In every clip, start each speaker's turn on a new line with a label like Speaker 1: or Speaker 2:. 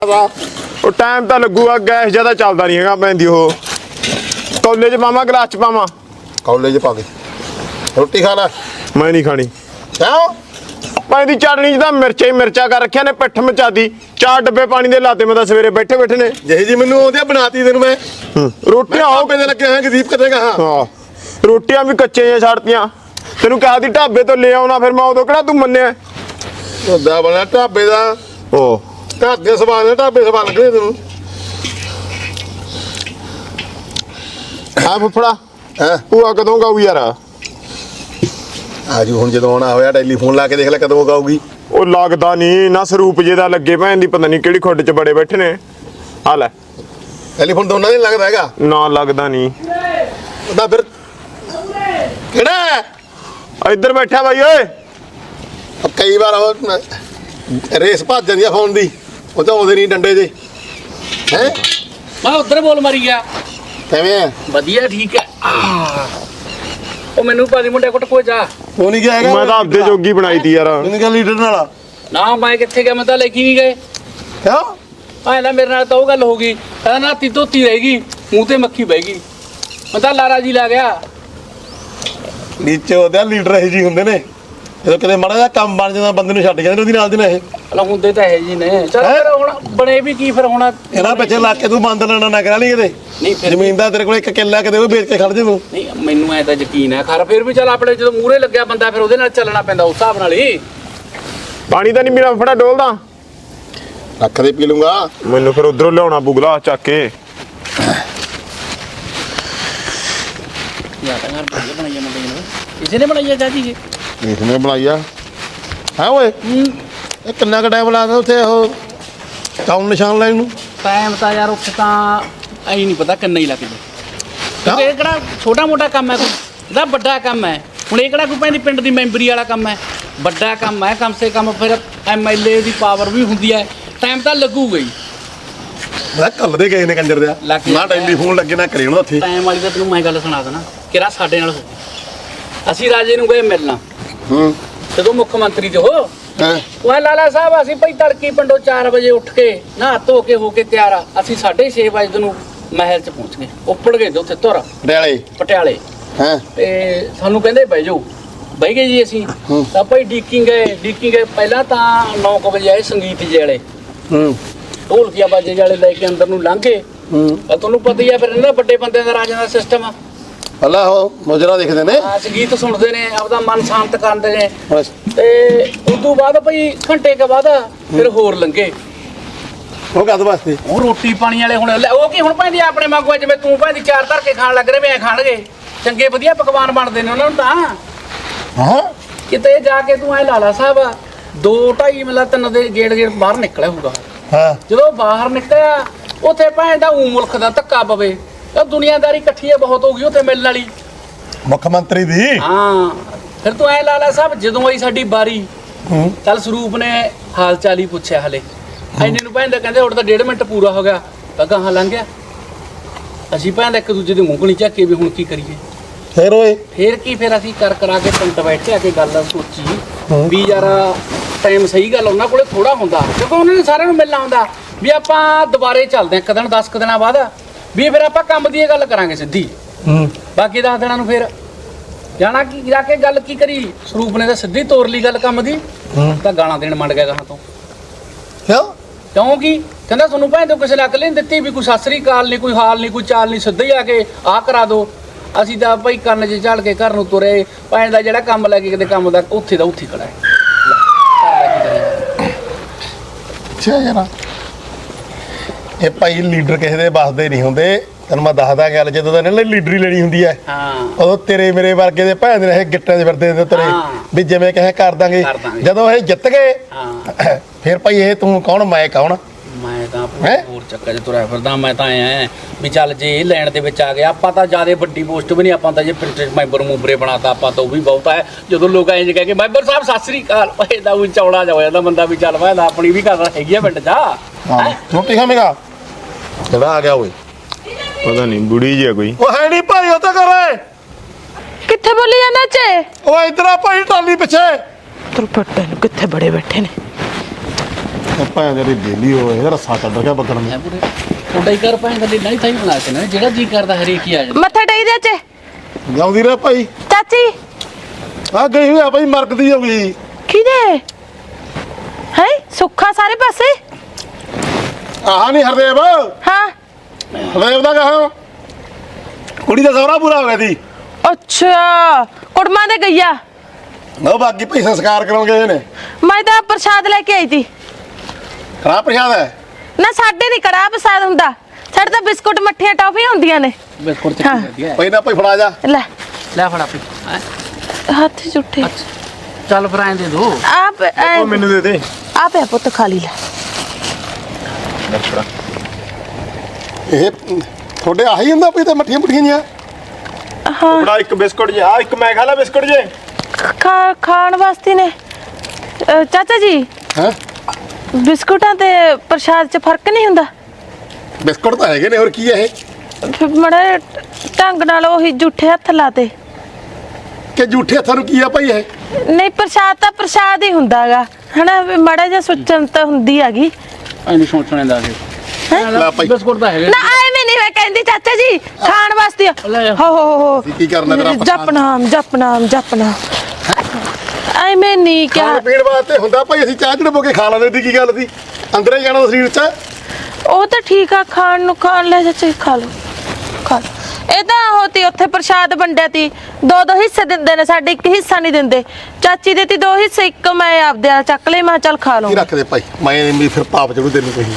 Speaker 1: ਉਹ ਟਾਈਮ ਤਾਂ ਲੱਗੂਗਾ ਗੈਸ ਜਿਆਦਾ ਚੱਲਦਾ ਨਹੀਂ ਹੈਗਾ ਪੈਂਦੀ ਉਹ ਕੌਲੇ 'ਚ ਪਾਵਾਂ ਗਲਾਸ 'ਚ ਪਾਵਾਂ
Speaker 2: ਕੌਲੇ 'ਚ ਪਾ ਦੇ ਰੋਟੀ ਖਾ ਲੈ
Speaker 1: ਮੈਂ ਨਹੀਂ ਖਾਣੀ
Speaker 2: ਕਿਉਂ
Speaker 1: ਪੈਂਦੀ ਚਟਣੀ 'ਚ ਤਾਂ ਮਿਰਚਾਂ ਹੀ ਮਿਰਚਾਂ ਕਰ ਰੱਖਿਆ ਨੇ ਪਿੱਠ ਮਚਾਦੀ 4 ਡੱਬੇ ਪਾਣੀ ਦੇ ਲਾਤੇ ਮੈਂ ਤਾਂ ਸਵੇਰੇ ਬੈਠੇ ਨੇ
Speaker 2: ਜਿਹੀ ਜੀ ਮੈਨੂੰ ਆਉਂਦੀ ਬਣਾਤੀ ਤੈਨੂੰ ਮੈਂ
Speaker 1: ਰੋਟੀਆਂ
Speaker 2: ਆਓ ਕਿਤੇ ਲੱਗੇ ਹੋਏ ਗਦੀਪ ਕਿਤੇ ਕਹਾ
Speaker 1: ਹਾਂ ਰੋਟੀਆਂ ਵੀ ਕੱਚੇ ਜਿਹੀਆਂ ਛੱਡਤੀਆਂ ਤੈਨੂੰ ਕਿਹਾ ਦੀ ਢਾਬੇ ਤੋਂ ਲੈ ਆਉਣਾ ਫਿਰ ਮੈਂ ਉਦੋਂ ਕਿਹੜਾ ਤੂੰ ਮੰਨਿਆ
Speaker 2: ਉਹਦਾ ਬਣਾ ਢਾਬੇ ਦਾ
Speaker 1: ਉਹ
Speaker 2: ਘਰ ਦੇ ਸਵਾਲ ਨੇ ਢਾਬੇ ਸਵਾਲ ਲੱਗਣੇ ਤੈਨੂੰ
Speaker 1: ਆ ਫੁੱਫੜਾ
Speaker 2: ਹੈ
Speaker 1: ਭੂਆ ਕਦੋਂ ਗਾਊ ਯਾਰ
Speaker 2: ਆਜੂ ਹੁਣ ਜਦੋਂ ਆਉਣਾ ਹੋਇਆ ਟੈਲੀਫੋਨ ਲਾ ਕੇ ਦੇਖ ਲੈ ਕਦੋਂ ਗਾਊਗੀ
Speaker 1: ਉਹ ਲੱਗਦਾ ਨਹੀਂ ਨਾ ਸਰੂਪ ਜੇ ਦਾ ਲੱਗੇ ਭੈਣ ਦੀ ਪਤਾ ਨਹੀਂ ਕਿਹੜੀ ਖੁੱਡ 'ਚ ਬੜੇ ਬੈਠੇ ਨੇ ਆ ਲੈ
Speaker 2: ਟੈਲੀਫੋਨ ਦੋਨਾਂ ਦੇ ਲੱਗਦਾ ਹੈਗਾ
Speaker 1: ਨਾ ਲੱਗਦਾ ਨਹੀਂ
Speaker 2: ਉਹਦਾ ਫਿਰ ਕਿਹੜਾ
Speaker 1: ਇੱਧਰ ਬੈਠਾ ਬਾਈ ਓਏ
Speaker 2: ਕਈ ਵਾਰ ਉਹ ਰੇਸ ਭੱਜ ਜਾਂਦੀ ਆ ਫੋਨ ਦੀ ਉਹ ਤਾਂ ਆਉਂਦੇ ਨਹੀਂ ਡੰਡੇ ਜੇ ਹੈ
Speaker 3: ਮੈਂ ਉਧਰ ਬੋਲ ਮਾਰੀ ਗਿਆ
Speaker 2: ਕਿਵੇਂ ਆ
Speaker 3: ਵਧੀਆ ਠੀਕ ਹੈ ਉਹ ਮੈਨੂੰ ਪਾਦੀ ਮੁੰਡੇ ਕੋਟ ਕੋਈ ਜਾ
Speaker 2: ਉਹ ਨਹੀਂ ਗਿਆ ਹੈਗਾ
Speaker 1: ਮੈਂ ਤਾਂ ਆਪਦੇ ਜੋਗੀ ਬਣਾਈ ਤੀ ਯਾਰ
Speaker 2: ਮੈਨੂੰ ਕਿਹਾ ਲੀਡਰ ਨਾਲ
Speaker 3: ਨਾ ਮੈਂ ਕਿੱਥੇ ਗਿਆ ਮੈਂ ਤਾਂ ਲੈ ਕੇ ਨਹੀਂ ਗਏ
Speaker 2: ਕਿਉਂ
Speaker 3: ਆਇਆ ਮੇਰੇ ਨਾਲ ਤਾਂ ਉਹ ਗੱਲ ਹੋ ਗਈ ਕਹਿੰਦਾ ਨਾਤੀ ਧੋਤੀ ਰਹੇਗੀ ਮੂੰਹ ਤੇ ਮੱਖੀ ਬਹਿ ਗਈ ਮੈਂ ਤਾਂ ਲਾਰਾ ਜੀ ਲਾ ਗਿਆ
Speaker 2: ਨੀਚੇ ਉਹਦੇ ਲੀਡਰ ਇਹ ਜੀ ਹੁੰਦੇ ਨੇ ਜਦੋਂ ਕਿਤੇ ਮਾੜਾ ਜਿਹਾ ਕੰਮ ਬਣ ਜਾਂਦਾ ਬੰਦੇ ਨੂੰ ਛੱਡ ਜਾਂਦੇ ਉਹਦੀ ਨਾਲ ਦੀ ਨਾ ਇਹ
Speaker 3: ਹਲਾ ਹੁੰਦੇ ਤਾਂ ਹੈ ਜੀ ਨੇ ਚਲ ਫਿਰ ਹੁਣ ਬਣੇ ਵੀ ਕੀ ਫਿਰ ਹੁਣ
Speaker 2: ਇਹਨਾਂ ਪਿੱਛੇ ਲੱਗ ਕੇ ਤੂੰ ਬੰਦ ਨਾ ਕਰਾ ਲਈ ਕਿਤੇ
Speaker 3: ਨਹੀਂ ਫਿਰ
Speaker 2: ਜ਼ਮੀਨ ਦਾ ਤੇਰੇ ਕੋਲ ਇੱਕ ਕਿੱਲਾ ਕਿਤੇ ਉਹ ਵੇਚ ਕੇ ਖੜ ਜੇ ਤੂੰ
Speaker 3: ਨਹੀਂ ਮੈਨੂੰ ਐ ਤਾਂ ਯਕੀਨ ਹੈ ਖਰ ਫਿਰ ਵੀ ਚੱਲ ਆਪਣੇ ਜਦੋਂ ਮੂਹਰੇ ਲੱਗਿਆ ਬੰਦਾ ਫਿਰ ਉਹਦੇ ਨਾਲ ਚੱਲਣਾ ਪੈਂਦਾ ਉਸ ਹਿਸਾਬ ਨਾਲ ਹੀ
Speaker 1: ਪਾਣੀ ਤਾਂ ਨਹੀਂ ਮੇਰਾ ਫੜਾ ਡੋਲਦਾ
Speaker 2: ਰੱਖ ਦੇ ਪੀ ਲੂੰਗਾ
Speaker 1: ਮੈਨੂੰ ਫਿਰ ਉਧਰੋਂ ਲਿਆਉਣਾ ਬੁਗਲਾ ਚੱਕ ਕੇ
Speaker 3: ਯਾਰ ਤਾਂ ਘਰ ਵਧੀਆ ਬਣਾਈਆ ਮੁੰਡੇ ਨੇ ਕਿਸੇ ਨੇ ਬਣਾਈਆ ਚਾਚੀ ਜੀ
Speaker 2: ਇਸਨੇ ਬਣਾਈਆ ਹੈ ਓਏ ਇਹ ਕਿੰਨਾ ਕ ਟਾਈਮ ਲਾਦਾ ਉੱਥੇ ਉਹ ਕਾਊਂਟ ਨਿਸ਼ਾਨ ਲੈਣ ਨੂੰ
Speaker 3: ਟਾਈਮ ਤਾਂ ਯਾਰ ਉੱਥੇ ਤਾਂ ਐ ਨਹੀਂ ਪਤਾ ਕਿੰਨਾ ਹੀ ਲੱਗ ਜੇ ਕਿਉਂਕਿ ਇਹ ਕਿਹੜਾ ਛੋਟਾ ਮੋਟਾ ਕੰਮ ਹੈ ਕੋਈ ਇਹਦਾ ਵੱਡਾ ਕੰਮ ਹੈ ਹੁਣ ਇਹ ਕਿਹੜਾ ਕੋਈ ਪੈਂਦੀ ਪਿੰਡ ਦੀ ਮੈਂਬਰੀ ਵਾਲਾ ਕੰਮ ਹੈ ਵੱਡਾ ਕੰਮ ਹੈ ਕਮ ਸੇ ਕਮ ਫਿਰ ਐਮਐਲਏ ਦੀ ਪਾਵਰ ਵੀ ਹੁੰਦੀ ਹੈ ਟਾਈਮ ਤਾਂ ਲੱਗੂਗਾ ਹੀ
Speaker 2: ਮੈਂ ਕੱਲ ਦੇ ਗਏ ਨੇ ਕੰਜਰ ਦਿਆ ਨਾ ਟੈਲੀਫੋਨ ਲੱਗੇ ਨਾ ਕਰੇ ਉਹਨਾਂ ਉੱਥੇ
Speaker 3: ਟਾਈਮ ਵਾਲੀ ਤਾਂ ਤੈਨੂੰ ਮੈਂ ਗੱਲ ਸੁਣਾ ਦੇਣਾ ਕਿਹੜਾ ਸਾਡੇ ਨਾਲ ਹੋ ਗਈ ਅਸੀਂ ਰਾਜੇ ਨੂੰ ਗਏ ਮਿਲਣਾ ਜਦੋਂ ਮੁੱਖ ਮੰਤਰੀ ਤੇ ਹੋ ਉਹ ਲਾਲਾ ਸਾਹਿਬ ਅਸੀਂ ਭਾਈ ਤੜਕੀ ਪਿੰਡੋਂ 4 ਵਜੇ ਉੱਠ ਕੇ ਨਹਾ ਧੋ ਕੇ ਹੋ ਕੇ ਤਿਆਰ ਆ ਅਸੀਂ 6:30 ਵਜੇ ਨੂੰ ਮਹਿਲ 'ਚ ਪਹੁੰਚ ਗਏ ਉੱਪੜ ਗਏ ਉੱਥੇ ਧੁਰ ਪਟਿਆਲੇ
Speaker 2: ਹਾਂ
Speaker 3: ਤੇ ਸਾਨੂੰ ਕਹਿੰਦੇ ਬਹਿ ਜਾਓ ਬਹਿ ਗਏ ਜੀ ਅਸੀਂ ਤਾਂ ਭਾਈ ਡੀਕਿੰਗ ਗਏ ਪਹਿਲਾਂ ਤਾਂ 9 ਵਜੇ ਆਏ ਸੰਗੀਤ ਜੀ ਵਾਲੇ ਢੋਲਕੀਆਂ ਬਾਜੇ ਵਾਲੇ ਲੈ ਕੇ ਅੰਦਰ ਨੂੰ ਲੰਘੇ ਤੁਹਾਨੂੰ ਪਤਾ ਹੀ ਆ ਫਿਰ ਇਹਨਾਂ ਵੱਡੇ ਬੰਦਿਆਂ ਦਾ ਰਾਜਾਂ ਦਾ ਸਿਸਟਮ ਆ
Speaker 2: ਅੱਲਾ ਹੋ ਮੁਜਰਾ ਦੇਖਦੇ ਨੇ
Speaker 3: ਸੰਗੀਤ ਸੁਣਦੇ ਨੇ ਆਪਦਾ ਮਨ ਸ਼ਾਂਤ ਕਰਦੇ ਨੇ ਤੇ ਉਸ ਤੋਂ ਬਾਅਦ ਭਾਈ ਘੰਟੇ ਕੇ ਬਾਅਦ ਫਿਰ ਹੋਰ ਲੰਘੇ
Speaker 2: ਉਹ ਕਦ ਵਾਸਤੇ
Speaker 3: ਉਹ ਰੋਟੀ ਪਾਣੀ ਵਾਲੇ ਹੁਣ ਉਹ ਕੀ ਹੁਣ ਭਾਂਦੀ ਆਪਣੇ ਮਾਗੂਆ ਜਿਵੇਂ ਤੂੰ ਭਾਂਦੀ 4 ਧਰ ਕੇ ਖਾਣ ਲੱਗ ਰਹੇ ਵੇ ਖਾਣਗੇ ਚੰਗੇ ਵਧੀਆ ਪਕਵਾਨ ਬਣਦੇ ਨੇ ਉਹਨਾਂ ਨੂੰ ਤਾਂ
Speaker 2: ਹਾਂ
Speaker 3: ਕਿਤੇ ਜਾ ਕੇ ਤੂੰ ਐ ਲਾਲਾ ਸਾਹਿਬ 2-2.5 ਮਿਲਾ 3 ਦੇ ਗੇੜ ਬਾਹਰ ਨਿਕਲਿਆ ਹੋਊਗਾ
Speaker 2: ਹਾਂ
Speaker 3: ਜਦੋਂ ਬਾਹਰ ਨਿਕਲਿਆ ਉੱਥੇ ਭਾਂ ਦਾ ਮੁਲਕ ਦਾ ਧੱਕਾ ਪਵੇ ਤਾਂ ਦੁਨੀਆਦਾਰੀ ਇਕੱਠੀ ਬਹੁਤ ਹੋ ਗਈ ਉੱਥੇ ਮਿਲਣ ਵਾਲੀ
Speaker 2: ਮੁੱਖ ਮੰਤਰੀ ਦੀ
Speaker 3: ਹਾਂ ਫਿਰ ਤੂੰ ਐ ਲਾਲਾ ਸਾਹਿਬ ਜਦੋਂ ਆਈ ਸਾਡੀ ਬਾਰੀ ਚੱਲ ਸਰੂਪ ਨੇ ਹਾਲ ਚਾਲ ਹੀ ਪੁੱਛਿਆ ਹਲੇ ਐਨੇ ਨੂੰ ਭਾਂ ਦਾ ਕਹਿੰਦੇ ਹੁਣ ਤਾਂ 1.5 ਮਿੰਟ ਪੂਰਾ ਹੋ ਗਿਆ ਤਾਂ ਗਾਹਾਂ ਲੰਘ ਗਿਆ ਅਸੀਂ ਭਾਂ ਦਾ ਇੱਕ ਦੂਜੇ ਦੀ ਮੂੰਗਣੀ ਝਾਕੇ ਵੀ ਹੁਣ ਕੀ ਕਰੀਏ
Speaker 2: ਫੇਰ ਓਏ
Speaker 3: ਫੇਰ ਕੀ ਫਿਰ ਅਸੀਂ ਕਰਾ ਕੇ ਪਿੰਡ ਬੈਠੇ ਆ ਕੇ ਗੱਲ ਸੋਚੀ ਵੀ ਯਾਰ ਟਾਈਮ ਸਹੀ ਗੱਲ ਉਹਨਾਂ ਕੋਲੇ ਥੋੜਾ ਹੁੰਦਾ ਕਿਉਂਕਿ ਉਹਨਾਂ ਨੇ ਸਾਰਿਆਂ ਨੂੰ ਮਿਲਣਾ ਹੁੰਦਾ ਵੀ ਆਪਾਂ ਦੁਬਾਰੇ ਚੱਲਦੇ ਇੱਕ ਦਿਨ 10 ਦਿਨਾਂ ਬਾਅਦ ਵੀ ਫਿਰ ਆਪਾਂ ਕੰਮ ਦੀ ਇਹ ਗੱਲ ਕਰਾਂਗੇ ਸਿੱਧੀ ਬਾਕੀ 10 ਦਿਨਾਂ ਨੂੰ ਫਿਰ ਜਾਣਾ ਕੀ ਜਾ ਕੇ ਗੱਲ ਕੀ ਕਰੀ ਸਰੂਪ ਨੇ ਤਾਂ ਸਿੱਧੀ ਤੋਰ ਲਈ ਗੱਲ ਕੰਮ ਦੀ ਤਾਂ ਗਾਲਾਂ ਦੇਣ ਮੰਡ ਗਿਆ ਗਾਹਾਂ ਤੋਂ ਕਿਉਂਕਿ ਕਹਿੰਦਾ ਤੁਹਾਨੂੰ ਭਾਂ ਤੋਂ ਕਿਸੇ ਨੇ ਅਕਲ ਨਹੀਂ ਦਿੱਤੀ ਵੀ ਕੋਈ ਸਤਿ ਸ੍ਰੀ ਅਕਾਲ ਨਹੀਂ ਕੋਈ ਹਾਲ ਨਹੀਂ ਕੋਈ ਚਾਲ ਨਹੀਂ ਸਿੱਧਾ ਹੀ ਆ ਕੇ ਆਹ ਕਰਾ ਦੋ ਅਸੀਂ ਤਾਂ ਭਾਈ ਕੰਨ 'ਚ ਝਾੜ ਕੇ ਘਰ ਨੂੰ ਤੁਰੇ ਭਾਂ ਦਾ ਜਿਹੜਾ ਕੰਮ ਲੈ ਕੇ ਕਿਤੇ ਕੰਮ ਦਾ ਉੱਥੇ ਦਾ ਉੱਥੇ ਖੜਾ ਹੈ
Speaker 2: ਅੱਛਾ ਯਾਰ ਇਹ ਭਾਈ ਲੀਡਰ ਕਿਸੇ ਦੇ ਬਸਦੇ ਨਹੀਂ ਹੁੰਦੇ ਤੈਨੂੰ ਮੈਂ ਦੱਸਦਾ ਗੱਲ ਜਦੋਂ ਤਾਂ ਇਹਨਾਂ ਲੀਡਰੀ ਲੈਣੀ ਹੁੰਦੀ ਹੈ ਉਦੋਂ ਤੇਰੇ ਮੇਰੇ ਵਰਗੇ ਦੇ ਭੈਣ ਦੇ ਇਹ ਗਿੱਟਾਂ 'ਚ ਫਿਰਦੇ ਨੇ ਤੇਰੇ ਵੀ ਜਿਵੇਂ ਕਹੇ ਕਰ ਦਾਂਗੇ ਜਦੋਂ ਇਹ ਜਿੱਤ ਗਏ ਫਿਰ ਭਾਈ ਇਹ ਤੂੰ ਕੌਣ ਮੈਂ ਕੌਣ
Speaker 3: ਮੈਂ ਤਾਂ ਹੋਰ ਚੱਕਰ 'ਚ ਤੁਰਿਆ ਫਿਰਦਾ ਮੈਂ ਤਾਂ ਆਇਆ ਵੀ ਚੱਲ ਜੇ ਇਹ ਲੈਣ ਦੇ ਵਿੱਚ ਆ ਗਿਆ ਆਪਾਂ ਤਾਂ ਜਿਆਦਾ ਵੱਡੀ ਪੋਸਟ ਵੀ ਨਹੀਂ ਆਪਾਂ ਤਾਂ ਜੇ ਪ੍ਰਿੰਟਰ ਮੈਂਬਰ ਮੂਬਰੇ ਬਣਾਤਾ ਆਪਾਂ ਤਾਂ ਉਹ ਵੀ ਬਹੁਤ ਹੈ ਜਦੋਂ ਲੋਕ ਐਂ ਕਹਿ ਕੇ ਮੈਂਬਰ ਸਾਹਿਬ ਸਤਿ ਸ੍ਰੀ ਅਕਾਲ ਇਹਦਾ ਵੀ ਚੌੜਾ ਜਾ ਹੋ ਜਾਂਦਾ ਬੰਦਾ ਵੀ ਚੱਲ ਮੈਂ ਆਪਣੀ ਵੀ ਗੱਲ ਹੈਗੀ ਆ ਪਿੰਡ 'ਚ
Speaker 2: ਰੋਟੀ ਖਾਵੇਂਗਾ ਕਿਹੜਾ ਆ ਗਿਆ ਓਏ
Speaker 1: ਪਤਾ ਨਹੀਂ ਬੁੜੀ ਜੀ ਕੋਈ
Speaker 2: ਉਹ ਹੈ ਨਹੀਂ ਭਾਈ ਉਹ ਤਾਂ ਕਰੇ
Speaker 4: ਕਿੱਥੇ ਬੋਲੀ ਜਾਂਦਾ ਚੇ
Speaker 2: ਉਹ ਇਧਰ ਆ ਭਾਈ ਟਾਲੀ ਪਿੱਛੇ
Speaker 4: ਤੁਰ ਪੱਟੇ ਨੂੰ ਕਿੱਥੇ ਬੜੇ ਬੈਠੇ ਨੇ
Speaker 2: ਭਾਂ ਜਿਹੜੀ ਬੇਲੀ ਹੋਏ ਇਹਦਾ ਰੱਸਾ ਕੱਢ ਗਿਆ ਬੱਗਣ
Speaker 3: ਐ
Speaker 2: ਨੇ
Speaker 3: ਪੂਰੇ ਤੁਹਾਡਾ ਹੀ ਘਰ ਭਾਂ ਦਾ ਨਹੀਂ ਥਾਈ ਬਣਾ ਕੇ ਨਾ ਜਿਹੜਾ ਜੀ ਕਰਦਾ ਹਰੇਕ ਹੀ ਆ ਜਾਂਦਾ।
Speaker 4: ਮੱਥਾ ਟੇਕ ਦੇ ਚ
Speaker 2: ਜਾਉਂਦੀ ਰਹਿ ਭਾਈ
Speaker 4: ਚਾਚੀ
Speaker 2: ਆ ਗਈ ਹੋਈ ਆ ਭਾਈ ਮਰਕਦੀ ਹੋ ਗਈ
Speaker 4: ਕਿਹਦੇ ਹੈ ਸੁੱਖਾ ਸਾਰੇ ਪਾਸੇ
Speaker 2: ਆਹ ਨਹੀਂ ਹਰਦੇਵ
Speaker 4: ਹਾਂ
Speaker 2: ਹਰਦੇਵ ਦਾ ਕਹਾ ਕੁੜੀ ਦਾ ਸਹੁਰਾ ਪੂਰਾ ਹੋ ਗਿਆ ਸੀ
Speaker 4: ਅੱਛਾ ਕੁੜਮਾਂ ਦੇ ਗਈਆ
Speaker 2: ਉਹ ਬਾਕੀ ਭਾਈ ਸੰਸਕਾਰ ਕਰਾਉਣ ਗਏ ਨੇ
Speaker 4: ਮੈਂ ਤਾਂ ਪ੍ਰਸ਼ਾਦ ਲੈ ਕੇ ਆਈ ਸੀ
Speaker 2: ਕੜਾ ਪ੍ਰਸ਼ਾਦ ਹੈ
Speaker 4: ਨਾ ਸਾਡੇ ਨਹੀਂ ਕੜਾ ਪ੍ਰਸ਼ਾਦ ਹੁੰਦਾ ਸਾਡੇ ਤਾਂ ਬਿਸਕੁਟ ਮੱਠੀਆਂ ਟੌਫੀਆਂ ਹੁੰਦੀਆਂ ਨੇ
Speaker 3: ਬਿਲਕੁਲ
Speaker 4: ਹਾਂ।
Speaker 3: ਚੱਕੀ ਵਧੀਆ
Speaker 2: ਭਾਈ ਨਾ ਭਾਈ ਫੜਾ ਜਾ
Speaker 4: ਲੈ
Speaker 3: ਲੈ ਫੜਾ ਪੀ
Speaker 4: ਹੱਥ ਝੁੱਠੇ
Speaker 3: ਚੱਲ ਫਿਰ ਐਂ ਦੇ ਦੋ
Speaker 4: ਆਪ
Speaker 1: ਉਹ ਮੈਨੂੰ ਦੇ ਦੇ
Speaker 4: ਆਪ ਹੈ ਪੁੱਤ ਖਾ ਲਈ ਲੈ
Speaker 2: ਇਹ ਤੁਹਾਡੇ ਆਹੀ ਹੁੰਦਾ ਭਾਈ ਤੇ ਮੱਠੀਆਂ ਮੁੱਠੀਆਂ ਜੀਆਂ
Speaker 4: ਹਾਂ
Speaker 1: ਬੜਾ ਇੱਕ ਬਿਸਕੁਟ ਜੇ ਆ ਇੱਕ ਮੈਂ ਖਾ ਲਾ ਬਿਸਕੁਟ ਜੇ
Speaker 4: ਖਾਣ ਵਾਸਤੇ ਨੇ ਚਾਚਾ ਜੀ
Speaker 2: ਹੈ
Speaker 4: ਬਿਸਕੁਟਾਂ ਤੇ ਪ੍ਰਸ਼ਾਦ 'ਚ ਫਰਕ ਨਹੀਂ ਹੁੰਦਾ
Speaker 2: ਬਿਸਕੁਟ ਤਾਂ ਹੈਗੇ ਨੇ ਹੋਰ ਕੀ ਹੈ ਇਹ
Speaker 4: ਮੜਾ ਢੰਗ ਨਾਲ ਉਹੀ ਝੂਠੇ ਹੱਥ ਲਾਤੇ
Speaker 2: ਕਿ ਝੂਠੇ ਹੱਥਾਂ ਨੂੰ ਕੀ ਆ ਭਾਈ ਇਹ
Speaker 4: ਨਹੀਂ ਪ੍ਰਸ਼ਾਦ ਤਾਂ ਪ੍ਰਸ਼ਾਦ ਹੀ ਹੁੰਦਾਗਾ ਹਨਾ ਮੜਾ ਜਿਹਾ ਸੁਚਨ ਤਾਂ ਹੁੰਦੀ ਹੈਗੀ
Speaker 3: ਐਂ ਨਹੀਂ ਸੋਚਣੇ ਦਾ
Speaker 2: ਲੈ ਭਾਈ
Speaker 3: ਬਿਸਕੁਟ ਤਾਂ ਹੈਗੇ
Speaker 4: ਨਾ ਐਵੇਂ ਨਹੀਂ ਮੈਂ ਕਹਿੰਦੀ ਚਾਚਾ ਜੀ ਖਾਣ ਵਾਸਤੇ
Speaker 3: ਲੈ ਜਾ।
Speaker 4: ਹੋ
Speaker 2: ਕੀ ਕਰਨਾ ਤੇਰਾ
Speaker 4: ਜਪਨਾਮ ਜਪਨਾਮ ਜਪਨਾਮ ਐਵੇਂ ਨਹੀਂ ਕਿਹਾ
Speaker 2: ਖਾਣ ਪੀਣ ਵਾਸਤੇ ਹੁੰਦਾ ਭਾਈ ਅਸੀਂ ਚਾਹ ਚੜਬੋ ਕੇ ਖਾ ਲੈਂਦੇ ਦੀ ਕੀ ਗੱਲ ਸੀ ਅੰਦਰ ਹੀ ਜਾਣਾ ਸਰੀਰ 'ਚ
Speaker 4: ਉਹ ਤਾਂ ਠੀਕ ਆ ਖਾਣ ਨੂੰ ਖਾਣ ਲੈ ਚਾਚਾ ਜੀ ਖਾ ਲਓ ਇਹ ਤਾਂ ਹੋਤੀ ਉੱਥੇ ਪ੍ਰਸ਼ਾਦ ਵੰਡਿਆ ਤੀ ਦੋ ਦੋ ਹਿੱਸੇ ਦਿੰਦੇ ਨੇ ਸਾਡੇ ਇੱਕ ਹਿੱਸਾ ਨਹੀਂ ਦਿੰਦੇ ਚਾਚੀ ਦੇ ਤੀ ਦੋ ਹਿੱਸੇ ਇੱਕ ਮੈਂ ਆਪਦੇ ਨਾਲ ਚੱਕ ਲਈ ਮੈਂ ਕਿਹਾ ਚੱਲ ਖਾ
Speaker 2: ਕੀ
Speaker 4: ਲਵਾਂ
Speaker 2: ਰੱਖ ਦੇ ਭਾਈ ਮੈਂ ਵੀ ਫਿਰ ਪਾਪ ਚੜੂ ਤੈਨੂੰ ਕੋਈ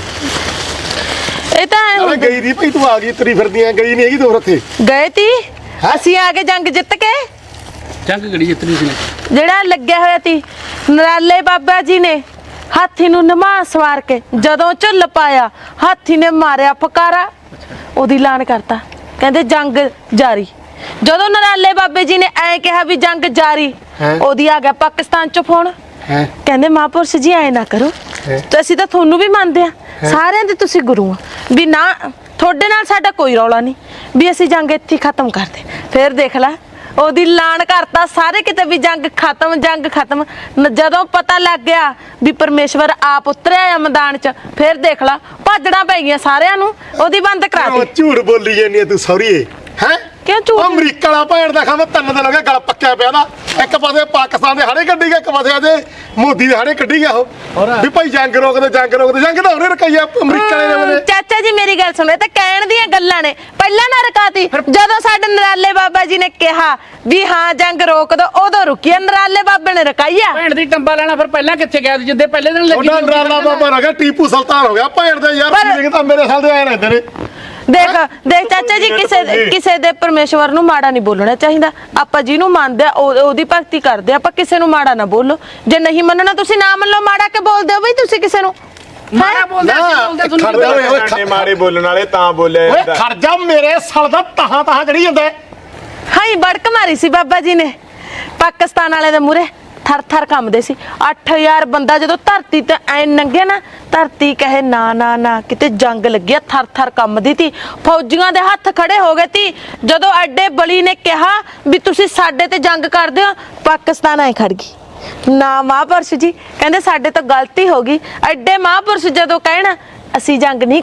Speaker 4: ਇਹ ਤਾਂ ਐਂ
Speaker 2: ਨਾਲੇ
Speaker 4: ਹੁੰਦਾ।
Speaker 2: ਗਈ ਦੀ ਭਾਈ ਤੂੰ ਆ ਗਈ ਤਰੀ ਫਿਰਦੀਆਂ ਗਈ ਨਹੀਂ ਹੈਗੀ ਤੂੰ ਉੱਥੇ
Speaker 4: ਗਏ ਤੀ ਅਸੀਂ ਆ ਕੇ ਜੰਗ ਜਿੱਤ ਕੇ
Speaker 3: ਜੰਗ ਗੜੀ ਜਿੱਤਣੀ ਸੀ ਨੇ
Speaker 4: ਜਿਹੜਾ ਲੱਗਿਆ ਹੋਇਆ ਤੀ ਨਰਾਲੇ ਬਾਬਾ ਜੀ ਨੇ ਹਾਥੀ ਨੂੰ ਨਮਾ ਸਵਾਰ ਕੇ ਜਦੋਂ ਝੁੱਲ ਪਾਇਆ ਹਾਥੀ ਨੇ ਮਾਰਿਆ ਫਕਾਰਾ ਉਹਦੀ ਐਲਾਨ ਕਰਤਾ ਕਹਿੰਦੇ ਜੰਗ ਜਾਰੀ ਜਦੋਂ ਨਰਾਲੇ ਬਾਬੇ ਜੀ ਨੇ ਐ ਕਿਹਾ ਵੀ ਜੰਗ ਜਾਰੀ ਉਹਦੀ ਆ ਗਿਆ ਪਾਕਿਸਤਾਨ ਚ ਫੋਨ ਕਹਿੰਦੇ ਮਹਾਂਪੁਰਸ਼ ਜੀ ਐ ਨਾ ਕਰੋ ਤੇ ਅਸੀਂ ਤਾਂ ਤੁਹਾਨੂੰ ਵੀ ਮੰਨਦੇ ਆ ਸਾਰਿਆਂ ਦੇ ਤੁਸੀਂ ਗੁਰੂ ਆ ਵੀ ਨਾ ਤੁਹਾਡੇ ਨਾਲ ਸਾਡਾ ਕੋਈ ਰੌਲਾ ਨਹੀਂ ਵੀ ਅਸੀਂ ਜੰਗ ਇੱਥੇ ਖਤਮ ਕਰਦੇ ਫਿਰ ਦੇਖ ਲੈ ਉਹਦੀ ਐਲਾਨ ਕਰਤਾ ਸਾਰੇ ਕਿਤੇ ਵੀ ਜੰਗ ਖਤਮ ਜਦੋਂ ਪਤਾ ਲੱਗ ਗਿਆ ਵੀ ਪਰਮੇਸ਼ਵਰ ਆਪ ਉਤਰਿਆ ਆ ਮੈਦਾਨ 'ਚ ਫਿਰ ਦੇਖ ਲਾ ਭੱਜਣਾ ਪੈ ਗਈਆਂ ਸਾਰਿਆਂ ਨੂੰ ਉਹਦੀ ਬੰਦ ਕਰਾ
Speaker 2: ਉਹ
Speaker 4: ਦਿੱਤੀ
Speaker 2: ਝੂਠ ਬੋਲੀ ਜਾਂਦੀ ਹੈ ਤੂੰ ਸੌਰੀਏ ਹੈ
Speaker 4: ਕਿਉਂ ਝੂਠ?
Speaker 2: ਉਹ ਅਮਰੀਕਾ ਵਾਲਾ ਭੈਣ ਦਾ ਖਾਂਦਾ 3 ਦਿਨ ਹੋ ਗਏ ਗਲ ਪੱਕਿਆ ਪਿਆ ਦਾ ਇੱਕ ਪਾਸੇ ਪਾਕਿਸਤਾਨ ਦੇ ਹਾੜੇ ਕੱਢੀ ਗਿਆ ਇੱਕ ਪਾਸੇ ਦੇ ਮੋਦੀ ਦੇ ਹਾੜੇ ਕੱਢੀ ਗਿਆ ਉਹ ਵੀ ਭਾਈ ਜੰਗ ਰੋਕਦੇ ਜੰਗ ਤਾਂ ਉਹਨੇ ਰਕਾਈਆ ਅਮਰੀਕਾ ਵਾਲੇ ਨੇ
Speaker 4: ਚਾਚਾ ਜੀ ਮੇਰੀ ਗੱਲ ਸੁਣੋ ਇਹ ਤਾਂ ਕਹਿਣ ਦੀਆਂ ਗੱਲਾਂ ਨੇ ਪਹਿਲਾਂ ਨਾ ਰਕਾਤੀ ਜਦੋਂ ਸਾਡੇ ਨਰਾਲੇ ਬਾਬਾ ਜੀ ਨੇ ਕਿਹਾ ਵੀ ਹਾਂ ਜੰਗ ਰੋਕ ਦੋ ਉਦੋਂ ਰੁਕੀ ਨਰਾਲੇ ਬਾਬੇ ਨੇ ਰਕਾਈਆ
Speaker 3: ਭੈਣ ਦੀ ਟੰਬਾ ਲੈਣਾ ਫਿਰ ਪਹਿਲਾਂ ਕਿੱਥੇ ਗਿਆ ਸੀ ਜਿੱਦੇ ਪਹਿਲੇ ਦਿਨ ਲੱਗੀ
Speaker 2: ਉਹਦਾ ਡਰਾਲਾ ਬਾਬਾ ਹੋ ਗਿਆ ਟੀਪੂ ਸੁਲਤਾਨ ਹੋ ਗਿਆ ਭੈਣ ਦੇ ਯਾਰ ਫੀਲਿੰਗ ਤਾਂ ਮੇਰੇ ਸਾਲ ਦੇ ਆਏ ਰਹਿੰਦੇ ਨੇ
Speaker 4: ਦੇਖ ਚਾਚਾ ਜੀ ਕਿਸੇ ਦੇ ਪਰਮੇਸ਼ਵਰ ਨੂੰ ਮਾੜਾ ਨਹੀਂ ਬੋਲਣਾ ਚਾਹੀਦਾ ਆਪਾਂ ਜਿਹਨੂੰ ਮੰਨਦੇ ਆ ਉਹਦੀ ਭਗਤੀ ਕਰਦੇ ਆ ਆਪਾਂ ਕਿਸੇ ਨੂੰ ਮਾੜਾ ਨਾ ਬੋਲੋ ਜੇ ਨਹੀਂ ਮੰਨਣਾ ਤੁਸੀਂ ਨਾ ਮੰਨ ਲਓ ਮਾੜਾ ਕੇ ਬੋਲਦੇ ਹੋ ਬਈ ਤੁਸੀਂ ਕਿਸੇ ਨੂੰ
Speaker 3: ਮਾੜਾ ਬੋਲਦੇ ਅਸੀਂ
Speaker 2: ਖੜਦਾ
Speaker 3: ਬੋਲਦੇ
Speaker 2: ਓਏ
Speaker 1: ਸਾਡੇ ਮਾੜੇ ਬੋਲਣ ਵਾਲੇ ਤਾਂ ਬੋਲਿਆ
Speaker 2: ਓਏ
Speaker 1: ਜਾਂਦਾ
Speaker 2: ਖੜ ਜਾ ਮੇਰੇ ਸਾਲ ਦਾ ਤਹਾਂ ਚੜੀ ਜਾਂਦਾ
Speaker 4: ਹਾਈ ਬੜਕ ਮਾਰੀ ਸੀ ਬਾਬਾ ਜੀ ਨੇ ਪਾਕਿਸਤਾਨ ਵਾਲੇ ਦੇ ਮੂਹਰੇ ਥਰ ਥਰ ਕੰਬਦੇ ਸੀ 8000 ਬੰਦਾ ਜਦੋਂ ਧਰਤੀ ਤੇ ਐ ਨੰਗੇ ਨਾ ਧਰਤੀ ਕਹੇ ਨਾ ਕਿਤੇ ਜੰਗ ਲੱਗਿਆ ਥਰ ਥਰ ਕੰਬਦੀ ਤੀ ਫੌਜੀਆਂ ਦੇ ਹੱਥ ਖੜੇ ਹੋ ਗਏ ਤੀ ਜਦੋਂ ਐਡੇ ਬਲੀ ਨੇ ਕਿਹਾ ਵੀ ਤੁਸੀਂ ਸਾਡੇ ਤੇ ਜੰਗ ਕਰਦੇ ਹੋ ਪਾਕਿਸਤਾਨ ਐ ਖੜ ਗਈ ਨਾ ਮਹਾਂਪੁਰਸ਼ ਜੀ ਕਹਿੰਦੇ ਸਾਡੇ ਤੋਂ ਗਲਤੀ ਹੋ ਗਈ ਐਡੇ ਮਹਾਂਪੁਰਸ਼ ਜਦੋਂ ਕਹਿਣਾ ਅਸੀਂ ਜੰਗ ਨਹੀਂ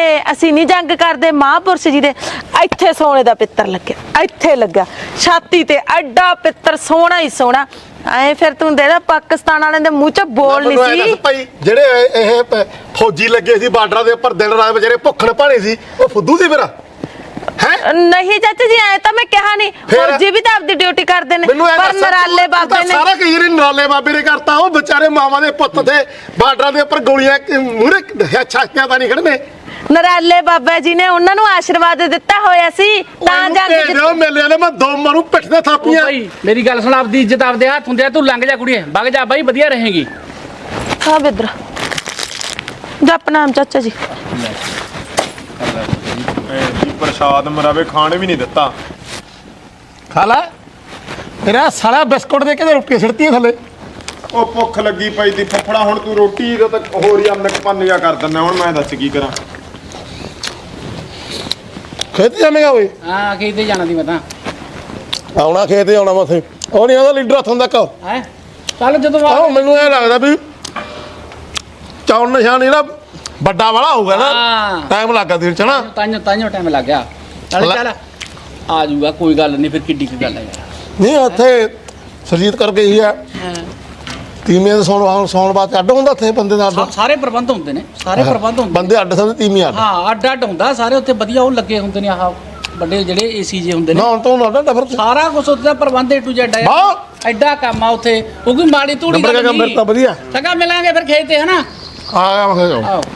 Speaker 4: ਕਰਦੇ ਮਹਾਂਪੁਰਸ਼ ਜੀ ਦੇ ਇੱਥੇ ਸੋਨੇ ਦਾ ਪਿੱਤਰ ਲੱਗਿਆ ਇੱਥੇ ਲੱਗਾ ਛਾਤੀ ਤੇ ਐਡਾ ਪਿੱਤਰ ਸੋਹਣਾ ਹੀ ਸੋਹਣਾ ਐ ਫਿਰ ਤੂੰ ਦੇਦਾ ਪਾਕਿਸਤਾਨ ਵਾਲਿਆਂ ਦੇ ਮੂੰਹ ਚ ਬੋਲ ਨਹੀਂ ਸੀ
Speaker 2: ਭਾਈ ਜਿਹੜੇ ਇਹ ਫੌਜੀ ਲੱਗੇ ਸੀ ਬਾਰਡਰਾਂ ਦੇ ਉੱਪਰ ਦਿਨ ਰਾਤ ਵਿਚਾਰੇ ਭੁੱਖਣ ਭਾਣੇ ਸੀ ਉਹ ਫੁੱਦੂ ਸੀ ਮੇਰਾ ਹੈ
Speaker 4: ਨਹੀਂ ਚਾਚਾ ਜੀ ਐ ਤਾਂ ਮੈਂ ਕਿਹਾ ਨਹੀਂ ਫੌਜੀ ਵੀ ਤਾਂ ਆਪਦੀ ਡਿਊਟੀ ਕਰਦੇ ਨੇ ਪਰ ਨਰਾਲੇ ਬਾਬੇ ਨੇ
Speaker 2: ਸਾਰਾ ਕਈ ਨਰਾਲੇ ਬਾਬੇ ਨੇ ਕਰਤਾ ਉਹ ਵਿਚਾਰੇ ਮਾਵਾਂ ਦੇ ਪੁੱਤ ਤੇ ਬਾਰਡਰਾਂ ਦੇ ਉੱਪਰ ਗੋਲੀਆਂ ਮੂਹਰੇ ਛਾਕਿਆਂ ਤਾਂ ਨਹੀਂ ਖੜਨੇ
Speaker 4: ਨਰਾਲੇ ਬਾਬਾ ਜੀ ਨੇ ਉਹਨਾਂ ਨੂੰ ਆਸ਼ੀਰਵਾਦ ਦਿੱਤਾ ਹੋਇਆ ਸੀ ਤਾਂ ਜੰਗ
Speaker 2: ਜਿੱਤੇ ਮੇਲੇ ਵਾਲੇ ਮੈਂ ਦੋ ਮਾਰੂ ਪਿੱਠ ਤੇ ਥਾਪੀਆਂ
Speaker 3: ਭਾਈ ਮੇਰੀ ਗੱਲ ਸੁਣ ਆਪਦੀ ਇੱਜ਼ਤ ਆਪਦੇ ਹੱਥ ਹੁੰਦੇ ਆ ਤੂੰ ਲੰਘ ਜਾ ਕੁੜੀਏ ਵਗ ਜਾ ਬਾਈ ਵਧੀਆ ਰਹੇਗੀ
Speaker 4: ਹਾਂ ਬਿੱਦਰ ਜਪ ਨਾਮ ਚਾਚਾ ਜੀ
Speaker 1: ਜੀ ਪ੍ਰਸ਼ਾਦ ਮਰਾਵੇ ਖਾਣ ਵੀ ਨਹੀਂ ਦਿੱਤਾ
Speaker 2: ਖਾ ਲੈ ਤੇਰਾ ਸਾਲਾ ਬਿਸਕੁਟ ਦੇ ਕੇ ਰੋਟੀ ਛਿੜਤੀਆਂ ਥੱਲੇ
Speaker 1: ਉਹ ਭੁੱਖ ਲੱਗੀ ਪਈ ਦੀ ਫੱਫੜਾ ਹੁਣ ਤੂੰ ਰੋਟੀ ਦਾ ਤਾਂ ਹੋਰ ਹੀ ਅੰਨਕ ਪੰਨਿਆ ਕਰ ਦਿੰਦਾ ਹੁਣ ਮੈਂ ਦੱਸ ਕੀ ਕਰਾਂ
Speaker 2: ਖੇਤ ਜਾਣੇਗਾ ਓਏ
Speaker 3: ਹਾਂ ਕਿਤੇ ਜਾਣਾ ਦੀ ਮੈਂ ਤਾਂ
Speaker 2: ਆਉਣਾ ਖੇਤ ਆਉਣਾ ਮੈਂ ਉੱਥੇ ਉਹ ਨਹੀਂ ਆਉਂਦਾ ਲੀਡਰ ਹੱਥੋਂ ਤੱਕ
Speaker 3: ਹੈ ਚੱਲ ਜਦੋਂ
Speaker 2: ਆਹ ਮੈਨੂੰ ਇਹ ਲੱਗਦਾ ਵੀ ਚੌਣ ਨਿਸ਼ਾਨ ਜਿਹੜਾ ਵੱਡਾ ਵਾਲਾ ਹੋਊਗਾ ਨਾ
Speaker 3: ਹਾਂ।
Speaker 2: ਟਾਈਮ ਲੱਗਾ ਦਿਨ ਚ ਨਾ
Speaker 3: ਤਾਂਿਓ ਟਾਈਮ ਲੱਗ ਗਿਆ ਚੱਲ ਚੱਲ ਆ ਜਾਊਗਾ ਕੋਈ ਗੱਲ ਨਹੀਂ ਫਿਰ ਕਿੱਡੀ ਕੀ ਗੱਲ ਹੈ ਯਾਰ
Speaker 2: ਨਹੀਂ ਉੱਥੇ ਸਰਜੀਤ ਕਰਕੇ ਹੀ ਆ ਤੀਵੀਆਂ ਦੇ ਸੌਣ ਬਾਅਦ ਅੱਡ ਹੁੰਦਾ ਉੱਥੇ ਬੰਦੇ ਦਾ ਅੱਡ
Speaker 3: ਸਾਰੇ ਪ੍ਰਬੰਧ ਹੁੰਦੇ ਨੇ ਸਾਰੇ ਪ੍ਰਬੰਧ ਹੁੰਦੇ
Speaker 2: ਬੰਦੇ ਅੱਡ ਸਮਝ ਤੀਵੀਆਂ ਅੱਡ
Speaker 3: ਹਾਂ ਅੱਡ ਅੱਡ ਹੁੰਦਾ ਸਾਰੇ ਉੱਥੇ ਵਧੀਆ ਉਹ ਲੱਗੇ ਹੁੰਦੇ ਨੇ ਆਹ ਵੱਡੇ ਜਿਹੜੇ ਏਸੀ ਜੇ ਹੁੰਦੇ ਨੇ
Speaker 2: ਨਾ ਹੁਣ ਤੋਂ ਅੱਡ ਫਿਰ
Speaker 3: ਸਾਰਾ ਕੁਝ ਉੱਥੇ ਦਾ ਪ੍ਰਬੰਧ A to Z ਹੈ
Speaker 2: ਵਾਹ
Speaker 3: ਐਡਾ ਕੰਮ ਆ ਉੱਥੇ ਉਹ ਕੋਈ ਮਾੜੀ ਧੂੜੀ
Speaker 2: ਨੰਬਰ ਕੰਮ ਫਿਰ ਤਾਂ ਵਧੀਆ
Speaker 3: ਚੰਗਾ ਮਿਲਾਂਗੇ ਫਿਰ ਖੇਤ ਤੇ ਹਨਾ
Speaker 2: ਆ ਗਿਆ ਮੈਂ ਕਿਹਾ
Speaker 3: ਆਓ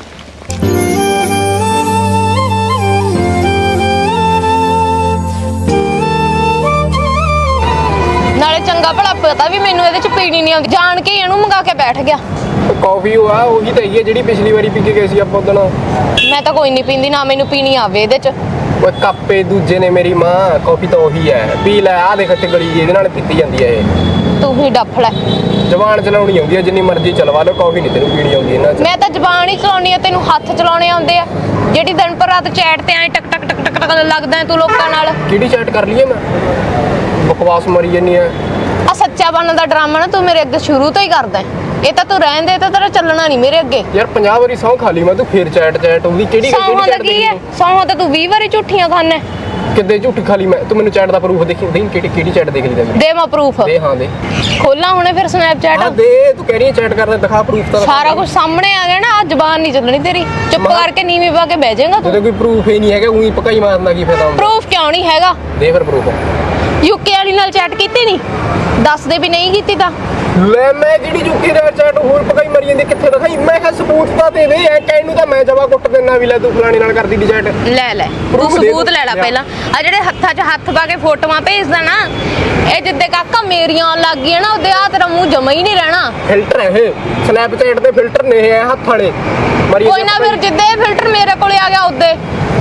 Speaker 5: ਨਾਲੇ ਚੰਗਾ ਭਲਾ ਪਤਾ ਵੀ ਮੈਨੂੰ ਇਹਦੇ ਚ ਪੀਣੀ ਨਹੀਂ ਆਉਂਦੀ ਜਾਣ ਕੇ ਇਹਨੂੰ ਮੰਗਾ ਕੇ ਬੈਠ ਗਿਆ
Speaker 6: ਕਾਫੀ ਉਹ ਆ ਉਹੀ ਤਾਂ ਹੈਗੀ ਆ ਜਿਹੜੀ ਪਿਛਲੀ ਵਾਰੀ ਪੀ ਕੇ ਗਏ ਸੀ ਆਪਾਂ ਉਦੋਂ
Speaker 5: ਮੈਂ ਤਾਂ ਕੋਈ ਨਹੀਂ ਪੀਂਦੀ ਨਾ ਮੈਨੂੰ ਪੀਣੀ ਆਵੇ ਇਹਦੇ ਚ
Speaker 6: ਉਹ ਕੱਪੇ ਦੂਜੇ ਨੇ ਮੇਰੀ ਮਾਂ ਕਾਫੀ ਤਾਂ ਉਹੀ ਹੈ ਪੀ ਲੈ ਆ ਦੇਖ ਇੱਥੇ ਗਲੀ ਇਹਦੇ ਨਾਲ ਪੀਤੀ ਜਾਂਦੀ ਹੈ ਇਹ
Speaker 5: ਤੂੰ ਹੀ ਡੱਫ ਲੈ
Speaker 6: ਜ਼ਬਾਨ ਚਲਾਉਣੀ ਆਉਂਦੀ ਹੈ ਜਿੰਨੀ ਮਰਜ਼ੀ ਚਲਵਾ ਲਓ ਕਾਫੀ ਨਹੀਂ ਤੈਨੂੰ ਪੀਣੀ ਆਉਂਦੀ ਇਹਨਾਂ 'ਚ
Speaker 5: ਮੈਂ ਤਾਂ ਜ਼ਬਾਨ ਹੀ ਚਲਾਉਣੀ ਆ ਤੈਨੂੰ ਹੱਥ ਚਲਾਉਣੇ ਆਉਂਦੇ ਆ ਜਿਹੜੀ ਦਿਨ ਪਰ ਰਾਤ ਚੈਟ ਤੇ ਐ ਟਕ ਟਕ ਟਕ ਟਕ ਟਕ ਲੱਗਦਾ ਹੈ ਤੂੰ ਲੋਕਾਂ ਨਾਲ
Speaker 6: ਕਿਹੜੀ ਚੈਟ ਕਰ ਲਈਏ ਮੈਂ ਬਕਵਾਸ ਮਰੀ ਜੰਨੀ ਆ
Speaker 5: ਆ ਸੱਚਾ ਬਣਨ ਦਾ ਡਰਾਮਾ ਨਾ ਤੂੰ ਮੇਰੇ ਅੱਗੇ ਸ਼ੁਰੂ ਤੋਂ ਹੀ ਕਰਦਾ ਹੈ। ਇਹ ਤਾਂ ਤੂੰ ਰਹਿਣ ਦੇ ਤਾਂ ਤੇਰਾ ਚੱਲਣਾ ਨਹੀਂ ਮੇਰੇ ਅੱਗੇ
Speaker 6: 50 ਵਾਰੀ ਸਹੁੰ ਖਾ ਲਈ ਮੈਂ ਤੂੰ ਫੇਰ ਚੈਟ ਉਹਦੀ ਕਿਹੜੀ
Speaker 5: ਸੌਹਾਂ ਦਾ
Speaker 6: ਚੈਟ
Speaker 5: ਕੀ ਹੈ ਸੌਹਾਂ ਤਾਂ ਤੂੰ 20 ਵਾਰੀ ਝੂਠੀਆਂ ਖਾਨਾ
Speaker 6: ਕਿੱਦੇ ਝੂਠੀ ਖਾ ਲਈ ਮੈਂ ਤੂੰ ਮੈਨੂੰ ਚੈਟ ਦਾ ਪ੍ਰੂਫ ਦੇਖੀ ਦੇਈਂ ਕਿਹੜੀ ਚੈਟ ਦੇਖ ਲਈ ਤੈਨੂੰ
Speaker 5: ਦੇ ਮੈਂ ਪ੍ਰੂਫ
Speaker 6: ਦੇ ਹਾਂ ਦੇ
Speaker 5: ਖੋਲਾਂ ਹੁਣੇ ਫਿਰ ਸਨੈਪਚੈਟ
Speaker 6: ਹਾਂ ਦੇ ਤੂੰ ਕਹਿ ਰਹੀ ਹੈ ਚੈਟ ਕਰਦਾ ਦਿਖਾ ਪ੍ਰੂਫ ਤਾਂ
Speaker 5: ਸਾਰਾ ਕੁਝ ਸਾਹਮਣੇ ਆ ਗਿਆ ਨਾ ਆ ਜ਼ਬਾਨ ਨਹੀਂ ਚੱਲਣੀ ਤੇਰੀ ਚੁੱਪ ਕਰਕੇ ਨੀਵੀਂ ਪਾ ਕੇ ਬਹਿ ਜਾਏਗਾ ਤੂੰ
Speaker 6: ਉਹਦੇ ਕੋਈ ਪ੍ਰੂਫ ਹੀ ਨਹੀਂ ਹੈਗਾ ਉਹੀ ਪਕਾਈ ਮਾਰਨਾ ਕੀ ਫਾਇਦਾ ਹੁੰਦਾ
Speaker 5: ਪ੍ਰੂਫ ਕਿਉਂ ਨਹੀਂ ਹੈਗਾ
Speaker 6: ਦੇ ਫਿਰ ਪ੍ਰੂਫ
Speaker 5: ਯੂਕੇ ਵਾਲੀ ਨਾਲ ਚੈਟ ਕੀਤੀ ਨਹੀਂ ਦੱਸ ਦੇ ਵੀ ਨਹੀਂ ਕੀਤੀ ਤਾਂ
Speaker 6: ਲੈ ਮੈਂ ਜਿਹੜੀ ਜੁਕੀ ਦਾ ਚੈਟ ਹੋਰ ਪਕਾਈ ਮਰੀ ਜਾਂਦੀ ਕਿੱਥੇ ਦਿਖਾਈ ਮੈਂ ਕਿਹਾ ਸਬੂਤ ਤਾਂ ਦੇ ਦੇ ਐ ਕਹਿਣ ਨੂੰ ਤਾਂ ਮੈਂ ਜਵਾ ਕੁੱਟ ਦੇਣਾ ਵੀ ਲੈ ਤੂੰ ਫਲਾਣੀ ਨਾਲ ਕਰਦੀ ਦੀ ਚੈਟ
Speaker 5: ਲੈ ਤੂੰ ਸਬੂਤ ਲੈ ਲੈ ਪਹਿਲਾਂ ਆ ਜਿਹੜੇ ਹੱਥਾਂ 'ਚ ਹੱਥ ਪਾ ਕੇ ਫੋਟੋਆਂ ਭੇਜਦਾ ਨਾ ਇਹ ਜਿੱਦੇ ਕਾਕਾ ਮੇਰੀਆਂ ਆਉਣ ਲੱਗ ਗਈਆਂ ਨਾ ਉਹਦੇ ਆ ਤੇਰਾ ਮੂੰਹ ਜਮਾ ਹੀ ਨਹੀਂ ਰਹਿਣਾ
Speaker 6: ਫਿਲਟਰ ਹੈ ਇਹ ਸਨੈਪਚੈਟ ਦੇ ਫਿਲਟਰ ਨੇ ਇਹ ਹੱਥ ਵਾਲੇ ਮਰੀ
Speaker 5: ਕੋਈ ਨਾ ਫਿਰ ਜਿੱਦੇ ਇਹ ਫਿਲਟਰ ਮੇਰੇ ਕੋਲੇ ਆ ਗਿਆ ਉਹਦੇ